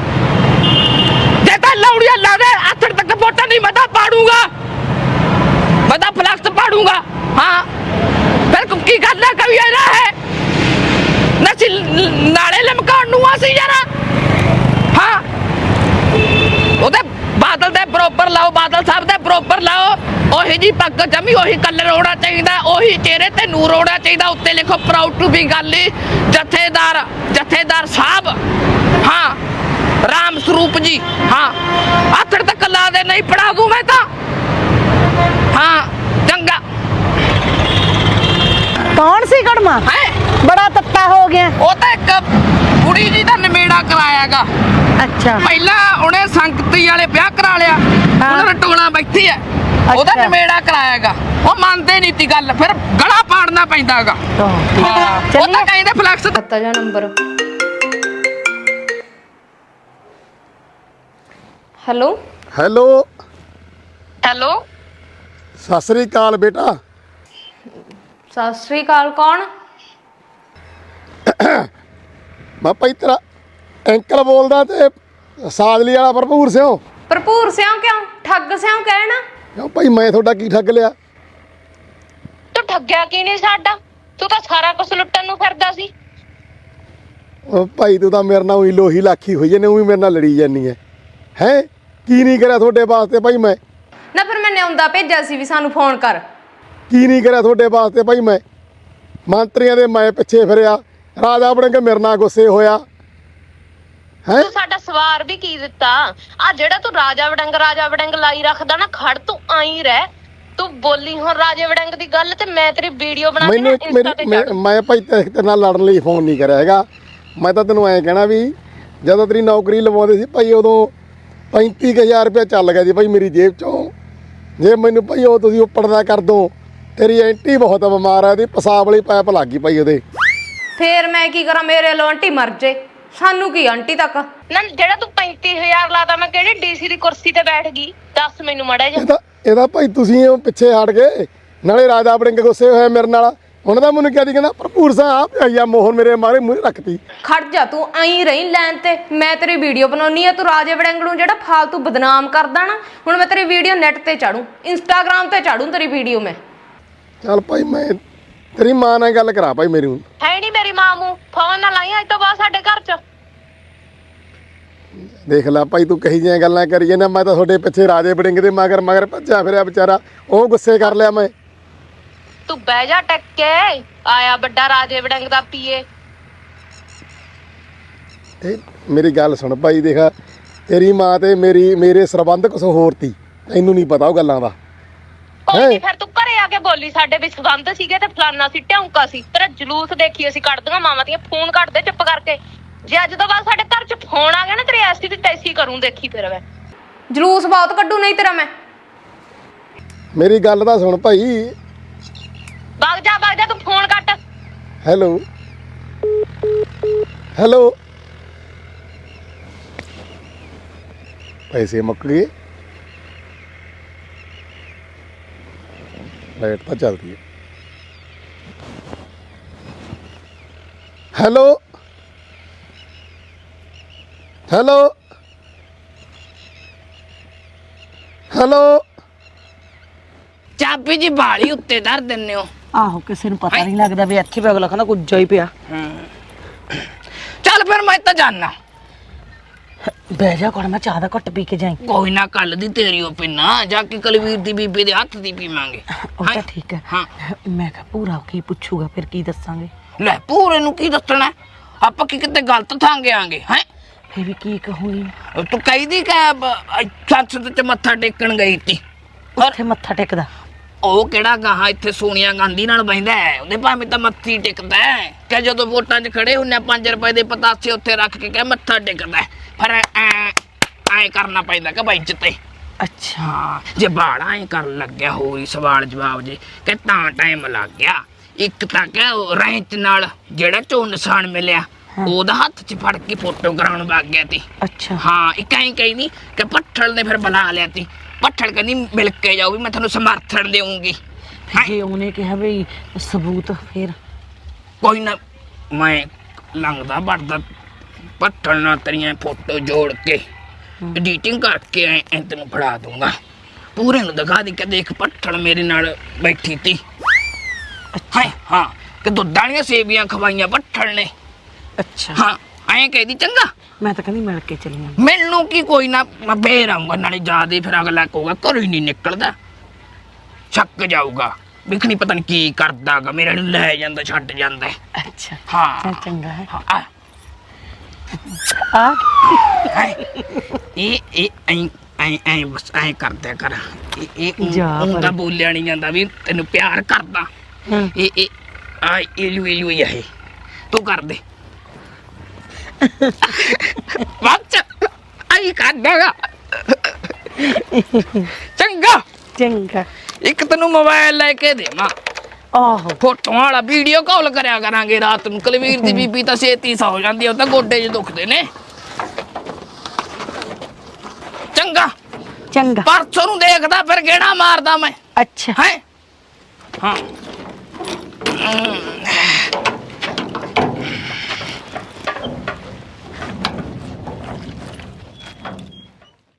Speaker 3: ਜੇ ਤਾਂ ਲੌੜੀਆਂ ਲਾ ਦੇ ਆਥੜ ਤੱਕ ਵੋਟਾਂ ਨਹੀਂ, ਮੈਂ ਤਾਂ ਪਾੜੂਗਾ, ਮੈਂ ਤਾਂ ਫਲੈਕਸ ਪਾੜੂਗਾ। ਹਾਂ ਫਿਰ ਕੀ ਗੱਲ ਹੈ? ਕਵੀ ਇਹਦਾ ਹੈ ਨਸੀ ਨਾਲੇ ਲਮਕਾਉਣ ਨੂੰ ਆ ਸੀ ਯਾਰ। ਹਾਂ ਉਹਦੇ ਬਾਦਲ ਦੇ ਬਰੋਬਰ ਲਾਓ, ਬਾਦਲ ਸਾਹਿਬ ਦੇ ਬਰੋਬਰ ਲਾਓ। ਉਹੀ ਜੀ ਪੱਗ ਜਮੀ, ਉਹੀ ਕਲਰ ਹੋਣਾ ਚਾਹੀਦਾ, ਉਹੀ ਚਿਹਰੇ ਤੇ ਨੂਰ ਹੋਣਾ ਚਾਹੀਦਾ। ਉੱਤੇ ਲਿਖੋ ਪ੍ਰਾਊਡ ਟੂ ਬੀ ਗਾਲੀ ਜਥੇਦਾਰ ਸਾਹਿਬ। ਹਾਂ राम स्वरूप जी। हाँ आथड़ तक ला दे, नहीं पढ़ा दूं मैं तो। हाँ चंगा।
Speaker 7: कौन सी कड़मा
Speaker 3: है
Speaker 7: बड़ा तत्ता हो गया?
Speaker 3: वो तो एक कुड़ी जी का नमेड़ा करायागा।
Speaker 7: अच्छा
Speaker 3: पहला उन्हें संगती वाले ब्याह करा लिया, उन्हें टोला बैठी है, ਉਹਦਾ
Speaker 7: अच्छा।
Speaker 3: ਨਵੇੜਾ ਕਰਾਇਆਗਾ। ਉਹ ਮੰਨਦੇ ਨਹੀਂ ਤੀ ਗੱਲ, ਫਿਰ ਗਲਾ ਪਾੜਨਾ ਪੈਂਦਾਗਾ।
Speaker 7: तो
Speaker 3: ਹਾਂ ਉਹ ਤਾਂ ਕਹਿੰਦੇ ਫਲੈਕਸ
Speaker 5: ਪਤਾ ਜਾਂ ਨੰਬਰ। ਹੈਲੋ
Speaker 2: ਹੈਲੋ
Speaker 5: ਹੈਲੋ
Speaker 2: ਸਤਿ ਸ੍ਰੀ ਅਕਾਲ ਬੇਟਾ।
Speaker 5: ਸਤਿ ਸ੍ਰੀ ਅਕਾਲ। ਕੌਣ?
Speaker 2: ਮੈਂ ਭਾਈ ਤੇਰਾ ਅੰਕਲ ਬੋਲਦਾ ਤੇ ਸਾਦਲੀ ਵਾਲਾ ਭਰਪੂਰ ਸਿਓ।
Speaker 5: ਭਰਪੂਰ ਸਿਆਂ ਕਿਉਂ? ਠੱਗ ਸਿਆਂ ਕਹਿਣਾ।
Speaker 2: ਕਿਉਂ ਭਾਈ ਮੈਂ ਤੁਹਾਡਾ ਕੀ ਠੱਗ ਲਿਆ?
Speaker 5: ਤੂੰ ਠੱਗਿਆ ਕੀ ਨਹੀਂ ਸਾਡਾ? ਤੂੰ ਤਾਂ ਸਾਰਾ ਕੁਝ ਲੁੱਟਣ ਨੂੰ ਫਿਰਦਾ ਸੀ।
Speaker 2: ਉਹ ਭਾਈ ਤੂੰ ਤਾਂ ਮੇਰੇ ਨਾਲ ਉਹੀ ਲੋਹੀ ਲਾਖੀ ਹੋਈ ਨੇ, ਉਹੀ ਮੇਰੇ ਨਾਲ ਲੜੀ ਜਾਨੀ ਹੈ ਕੀ ਨਹੀਂ ਕਰਿਆ ਤੁਹਾਡੇ ਵਾਸਤੇ ਭਾਈ ਮੈਂ?
Speaker 5: ਨਾ ਫਿਰ ਮੈਂ ਨਿਉਂਦਾ ਭੇਜਿਆ ਸੀ ਵੀ ਸਾਨੂੰ ਫੋਨ ਕਰ।
Speaker 2: ਕੀ ਨਹੀਂ ਕਰਿਆ ਤੁਹਾਡੇ ਵਾਸਤੇ ਭਾਈ ਮੈਂ? ਮੰਤਰੀਆਂ ਦੇ ਮੈਂ ਪਿੱਛੇ ਫਿਰਿਆ, ਰਾਜਾ ਆਪਣੇ ਕੇ ਮੇਰੇ ਨਾਲ ਗੁੱਸੇ ਹੋਇਆ ਹੈ।
Speaker 5: ਤੂੰ ਸਾਡਾ ਸਵਾਰ ਵੀ ਕੀ ਦਿੱਤਾ? ਆ ਜਿਹੜਾ ਤੂੰ ਰਾਜਾ ਵੜੰਗ ਲਾਈ ਰੱਖਦਾ ਨਾ, ਖੜ ਤੂੰ ਆਈ ਰਹਿ। ਤੂੰ ਬੋਲੀ ਹੁਣ ਰਾਜੇ ਵੜੰਗ ਦੀ ਗੱਲ ਤੇ ਮੈਂ ਤੇਰੀ ਵੀਡੀਓ ਬਣਾ ਕੇ ਨਾ ਇੰਸਟਾ ਤੇ ਛੱਡ।
Speaker 2: ਮੈਂ ਭਾਈ ਤੇਰੇ ਨਾਲ ਲੜਨ ਲਈ ਫੋਨ ਨਹੀਂ ਕਰਿਆ ਹੈਗਾ। ਮੈਂ ਤਾਂ ਤੈਨੂੰ ਐਂ ਕਹਿਣਾ ਵੀ ਜਦੋਂ ਤੇਰੀ ਨੌਕਰੀ ਲਵਾਉਂਦੇ ਸੀ ਭਾਈ ਉਦੋਂ 35,000 ਰੁਪਇਆ ਚੱਲ ਗਿਆ ਸੀ ਭਾਈ ਮੇਰੀ ਜੇਬ ਚੋਂ। ਜੇ ਮੈਨੂੰ ਭਾਈ ਉਹ ਤੁਸੀਂ ਉੱਪਰ ਦਾ ਕਰ ਦੋ, ਤੇਰੀ ਐਂਟੀ ਬਹੁਤ ਬਿਮਾਰ ਆ, ਉਹਦੀ ਪਿਸ਼ਾਬ ਵਾਲੀ ਪਾਈਪ ਲੱਗ ਗਈ ਭਾਈ ਉਹਦੇ।
Speaker 5: ਫੇਰ ਮੈਂ ਕੀ ਕਰਾਂ? ਮੇਰੇ ਵੱਲੋਂ ਆਂਟੀ ਮਰ ਜੇ, ਸਾਨੂੰ ਕੀ ਆਂਟੀ ਤੱਕ ਨਾ। ਜਿਹੜਾ ਤੂੰ 35,000 ਲਾਦਾ, ਮੈਂ ਕਿਹੜੀ ਡੀਸੀ ਦੀ ਕੁਰਸੀ ਤੇ ਬੈਠ ਗਈ? ਦੱਸ ਮੈਨੂੰ ਮੜਾ ਜਾ।
Speaker 2: ਇਹਦਾ ਭਾਈ ਤੁਸੀਂ ਉਹ ਪਿੱਛੇ ਹਟ ਗਏ, ਨਾਲੇ ਰਾਜਾ ਵੜਿੰਗ ਗੁੱਸੇ ਹੋਇਆ ਮੇਰੇ ਨਾਲ। ਉਹਨਾਂ ਦਾ ਮੈਨੂੰ ਕਿਹਾ ਸੀ, ਕਹਿੰਦਾ ਭਰਪੂਰ ਸਾਂ ਆ ਪਿਆ ਮੋਹਨ ਮੇਰੇ ਮਾਰੇ ਮੂਹਰੇ ਰੱਖਤੀ।
Speaker 5: ਖੜ ਜਾ ਤੂੰ ਆਈ ਰਹੀ ਲੈਣ ਤੇ, ਮੈਂ ਤੇਰੀ ਵੀਡੀਓ ਬਣਾਉਣੀ ਆ। ਤੂੰ ਰਾਜੇ ਵੜੰਗ ਨੂੰ ਜਿਹੜਾ ਫਾਲਤੂ ਬਦਨਾਮ ਕਰਦਾ ਨਾ, ਹੁਣ ਮੈਂ ਤੇਰੀ ਵੀਡੀਓ ਨੈਟ ਤੇ ਚਾੜੂ, ਇੰਸਟਾਗ੍ਰਾਮ ਤੇ ਚਾੜੂ ਤੇਰੀ ਵੀਡੀਓ ਮੈਂ।
Speaker 2: ਚੱਲ ਭਾਈ ਮੈਂ ਤੇਰੀ ਮਾਂ ਨਾਲ ਗੱਲ ਕਰਾ ਭਾਈ ਮੇਰੀ।
Speaker 5: ਹੈ ਨਹੀਂ ਮੇਰੀ ਮਾਂ ਨੂੰ ਫੋਨ ਨਾ ਲਾਈ ਅੱਜ ਤੋਂ ਬਾਅਦ ਸਾਡੇ ਘਰ ਚ।
Speaker 2: ਦੇਖ ਲੈ ਭਾਈ ਤੂੰ ਕਹੀ ਜਿਹੀਆਂ ਗੱਲਾਂ ਕਰੀ ਜਾਂਦਾ। ਮੈਂ ਤਾਂ ਤੁਹਾਡੇ ਪਿੱਛੇ ਰਾਜੇ ਵੜਿੰਗ ਦੇ ਮਗਰ ਭੱਜਿਆ ਫਿਰਿਆ ਵਿਚਾਰਾ, ਉਹ ਗੁੱਸੇ ਕਰ ਲਿਆ ਮੈਂ।
Speaker 5: ਤੂੰ ਬਹਿ ਜਾ ਟੱਕ ਕੇ, ਆਇਆ ਵੱਡਾ ਰਾਜੇ ਵੜੰਗ ਦਾ ਪੀਏ।
Speaker 2: ਇਹ ਮੇਰੀ ਗੱਲ ਸੁਣ ਭਾਈ, ਦੇਖ ਤੇਰੀ ਮਾਂ ਤੇ ਮੇਰੇ ਸਰਬੰਧ ਕੁਛ ਹੋਰ ਤੀ, ਤੈਨੂੰ ਨਹੀਂ ਪਤਾ ਉਹ ਗੱਲਾਂ ਦਾ।
Speaker 5: ਕੋਈ ਨਹੀਂ, ਫਿਰ ਤੂੰ ਘਰੇ ਆ ਕੇ ਬੋਲੀ ਸਾਡੇ ਵੀ ਸੰਬੰਧ ਸੀਗੇ ਤੇ ਫਲਾਨਾ ਸੀ ਢੌਂਕਾ ਸੀ। ਤੇਰਾ ਜਲੂਸ ਦੇਖੀ ਅਸੀਂ ਕੱਢਦੀਆਂ ਮਾਵਾਂ ਦੀਆਂ। ਫੋਨ ਕੱਢ ਦੇ ਚੁੱਪ ਕਰਕੇ। ਜੇ ਅੱਜ ਤੋਂ ਬਾਅਦ ਸਾਡੇ ਘਰ ਚ ਫੋਨ ਆ ਗਿਆ ਨਾ, ਤੇਰੀ ਐਸੀ ਦੀ ਤੈਸੀ ਕਰੂੰ, ਦੇਖੀ ਫਿਰ ਮੈਂ ਜਲੂਸ ਬਹੁਤ ਕੱਢੂ ਨਹੀਂ ਤੇਰਾ ਮੈਂ।
Speaker 2: ਮੇਰੀ ਗੱਲ ਤਾਂ ਸੁਣ ਭਾਈ।
Speaker 5: ਵਗ ਜਾ ਤੂੰ ਫੋਨ ਕੱਟ।
Speaker 2: ਹੈਲੋ ਹੈਲੋ ਪੈਸੇ ਮੁੱਕ ਗਏ। ਲਾਈਟ ਤਾਂ ਚੱਲਦੀ ਹੈ। ਹੈਲੋ ਹੈਲੋ ਹੈਲੋ
Speaker 3: ਚਾਬੀ ਜੀ ਬਾਲੀ ਉੱਤੇ ਧਰ ਦਿੰਨੇ ਹੋ।
Speaker 7: ਆਹੋ ਕਿਸੇ ਨੂੰ ਪਤਾ ਨਹੀਂ ਲੱਗਦਾ ਵੀ ਇੱਥੇ ਵੀ ਅਗਲਾ ਕਹਿੰਦਾ ਕੁੱਜਾ ਹੀ ਪਿਆ।
Speaker 3: ਚੱਲ ਫਿਰ ਮੈਂ ਤਾਂ ਜਾਣਾ।
Speaker 7: ਬਹਿ ਜਾ ਕੋਲ, ਮੈਂ ਚਾਹ ਦਾ ਘੁੱਟ ਪੀ ਕੇ ਜਾਈ।
Speaker 3: ਕੋਈ ਨਾ, ਕੱਲ ਦੀ ਤੇਰੀ ਉਹ ਪਿੰਨਾ ਜਾ ਕੇ ਕਲਵੀਰ ਦੀ ਬੀਬੀ ਦੇ ਹੱਥ ਦੀ ਪੀਵਾਂਗੇ।
Speaker 7: ਉਹ ਤਾਂ ਠੀਕ ਹੈ।
Speaker 3: ਹਾਂ
Speaker 7: ਮੈਂ ਕਿਹਾ ਪੂਰਾ ਕੀ ਪੁੱਛੂਗਾ, ਫਿਰ ਕੀ ਦੱਸਾਂਗੇ?
Speaker 3: ਲੈ ਪੂਰੇ ਨੂੰ ਕੀ ਦੱਸਣਾ? ਆਪਾਂ ਕੀ ਕਿਤੇ ਗਲਤ ਥਾਂ ਗਿਆਂਗੇ ਹੈ?
Speaker 7: ਫਿਰ ਵੀ ਕੀ ਕਹੂੰਗੀ?
Speaker 3: ਤੂੰ ਕਹਿੰਦੀ ਕਿ ਸੰਸਦ ਚ ਮੱਥਾ ਟੇਕਣ ਗਈ ਤੀ।
Speaker 7: ਉੱਥੇ ਮੱਥਾ ਟੇਕਦਾ
Speaker 3: ਉਹ ਕਿਹੜਾ ਗਾਹਾਂ ਇੱਥੇ ਸੋਨੀਆ ਗਾਂਧੀ ਨਾਲ ਬਹਿੰਦਾ ਹੈ? ਉਹਦੇ ਭਾਵੇਂ ਤਾਂ ਮੱਥੀ ਟੇਕਦਾ ਹੈ ਕਿ ਜਦੋਂ ਵੋਟਾਂ 'ਚ ਖੜੇ ਹੁੰਨੇ 5 ਰੁਪਏ ਦੇ ਪਤਾਸੇ ਉੱਥੇ ਰੱਖ ਕੇ ਕਹੇ ਮੱਥਾ ਟੇਕਦਾ ਹੈ। ਪਰ ਐ ਕਰਨਾ ਪੈਂਦਾ ਕਿ ਬਾਈ ਜਿੱਤੇ।
Speaker 7: ਅੱਛਾ
Speaker 3: ਜੇ ਬਾੜਾ ਐ ਕਰਨ ਲੱਗਿਆ ਹੋਈ ਸਵਾਲ ਜਵਾਬ ਜੇ ਕਿ ਤਾਂ ਟਾਈਮ ਲੱਗ ਗਿਆ। ਇੱਕ ਤਾਂ ਕਿ ਰੈਂਚ ਨਾਲ ਜਿਹੜਾ ਚੋਣ ਨਿਸ਼ਾਨ ਮਿਲਿਆ ਉਹਦਾ ਹੱਥ 'ਚ ਫੜ ਕੇ ਫੋਟੋ ਕਰਾਉਣ ਵਗ ਗਿਆ ਤੀ।
Speaker 7: ਅੱਛਾ
Speaker 3: ਹਾਂ ਇੱਕ ਐਂ ਕਹਿੰਦੀ ਕਿ ਭੱਠਲ ਨੇ ਫਿਰ ਬੁਲਾ ਲਿਆ ਤੀ। ਭੱਠਲ ਕਹਿੰਦੀ ਮਿਲ ਕੇ ਜਾਓ ਵੀ ਮੈਂ ਤੁਹਾਨੂੰ ਸਮਰਥਨ ਦੇਵਾਂਗੀ।
Speaker 7: ਜੇ ਉਹਨੇ ਕਿਹਾ ਵੀ ਸਬੂਤ, ਫਿਰ
Speaker 3: ਕੋਈ ਨਾ, ਮੈਂ ਲੰਘਦਾ ਵੜਦਾ ਭੱਠਲ ਨਾਲ ਤੇਰੀਆਂ ਫੋਟੋ ਜੋੜ ਕੇ ਐਡੀਟਿੰਗ ਕਰਕੇ ਐ ਤੈਨੂੰ ਫੜਾ ਦੂੰਗਾ। ਪੂਰੇ ਨੂੰ ਦਿਖਾ ਦੇ ਕਿ ਦੇਖ ਭੱਠਲ ਮੇਰੇ ਨਾਲ ਬੈਠੀ ਤੀ।
Speaker 7: ਅੱਛਾ
Speaker 3: ਹਾਂ ਕਿ ਦੁੱਧ ਵਾਲੀਆਂ ਸੇਵੀਆਂ ਖਵਾਈਆਂ ਭੱਠਲ ਨੇ।
Speaker 7: ਅੱਛਾ
Speaker 3: ਹਾਂ ਐਂ ਕਹਿਦੀ ਚੰਗਾ।
Speaker 7: ਮੈਂ ਤਾਂ ਕਹਿੰਦੀ ਮਿਲ ਕੇ ਚੱਲੀਆਂ।
Speaker 3: ਮੈਨੂੰ ਕੀ, ਕੋਈ ਨਾ ਮੈਂ ਫੇਰ ਆਊਂਗਾ। ਨਾਲੇ ਜਾਦੇ ਫਿਰ ਅਗਲਾ ਕਹੂਗਾ ਘਰੋਂ ਹੀ ਨਹੀਂ ਨਿਕਲਦਾ, ਛੱਕ ਜਾਊਗਾ ਵਿਖਣੀ ਪਤਾ ਨਹੀਂ ਕੀ ਕਰਦਾਗਾ, ਮੇਰੇ ਨੂੰ ਲੈ ਜਾਂਦਾ ਛੱਡ ਜਾਂਦਾ।
Speaker 7: ਅੱਛਾ
Speaker 3: ਹਾਂ
Speaker 7: ਚੱਲ ਚੰਗਾ ਹੈ।
Speaker 3: ਹਾਂ
Speaker 7: ਆ
Speaker 3: ਇਹ ਐਂ ਬਸ ਐਂ ਕਰਦਿਆ ਕਰ ਇਹ
Speaker 7: ਜਾ
Speaker 3: ਉਹ
Speaker 7: ਪਰ।
Speaker 3: ਤਾਂ ਬੋਲਿਆ ਨਹੀਂ ਜਾਂਦਾ ਵੀ ਤੈਨੂੰ ਪਿਆਰ ਕਰਦਾ ਇਹ ਆ ਇਲੂ ਹੀ ਆ ਇਹ ਤੂੰ ਕਰ ਦੇ ਬੱਚ ਆਈ ਕਰਦਾਗਾ ਚੰਗਾ
Speaker 7: ਚੰਗਾ
Speaker 3: ਇੱਕ ਤੈਨੂੰ ਮੋਬਾਈਲ ਲੈ ਕੇ ਦੇਵਾਂ
Speaker 7: ਆਹੋ
Speaker 3: ਫੋਟੋਆਂ ਵਾਲਾ ਵੀਡੀਓ ਕਾਲ ਕਰਿਆ ਕਰਾਂਗੇ ਰਾਤ ਨੂੰ ਕੁਲਵੀਰ ਦੀ ਬੀਬੀ ਤਾਂ ਛੇਤੀ ਸੌ ਜਾਂਦੀ ਆ, ਉਹ ਤਾਂ ਗੋਡੇ 'ਚ ਦੁਖਦੇ ਨੇ ਚੰਗਾ
Speaker 7: ਚੰਗਾ
Speaker 3: ਪਰਸੋਂ ਨੂੰ ਦੇਖਦਾ ਫਿਰ ਗੇੜਾ ਮਾਰਦਾ ਮੈਂ
Speaker 7: ਅੱਛਾ
Speaker 3: ਹੈ ਹਾਂ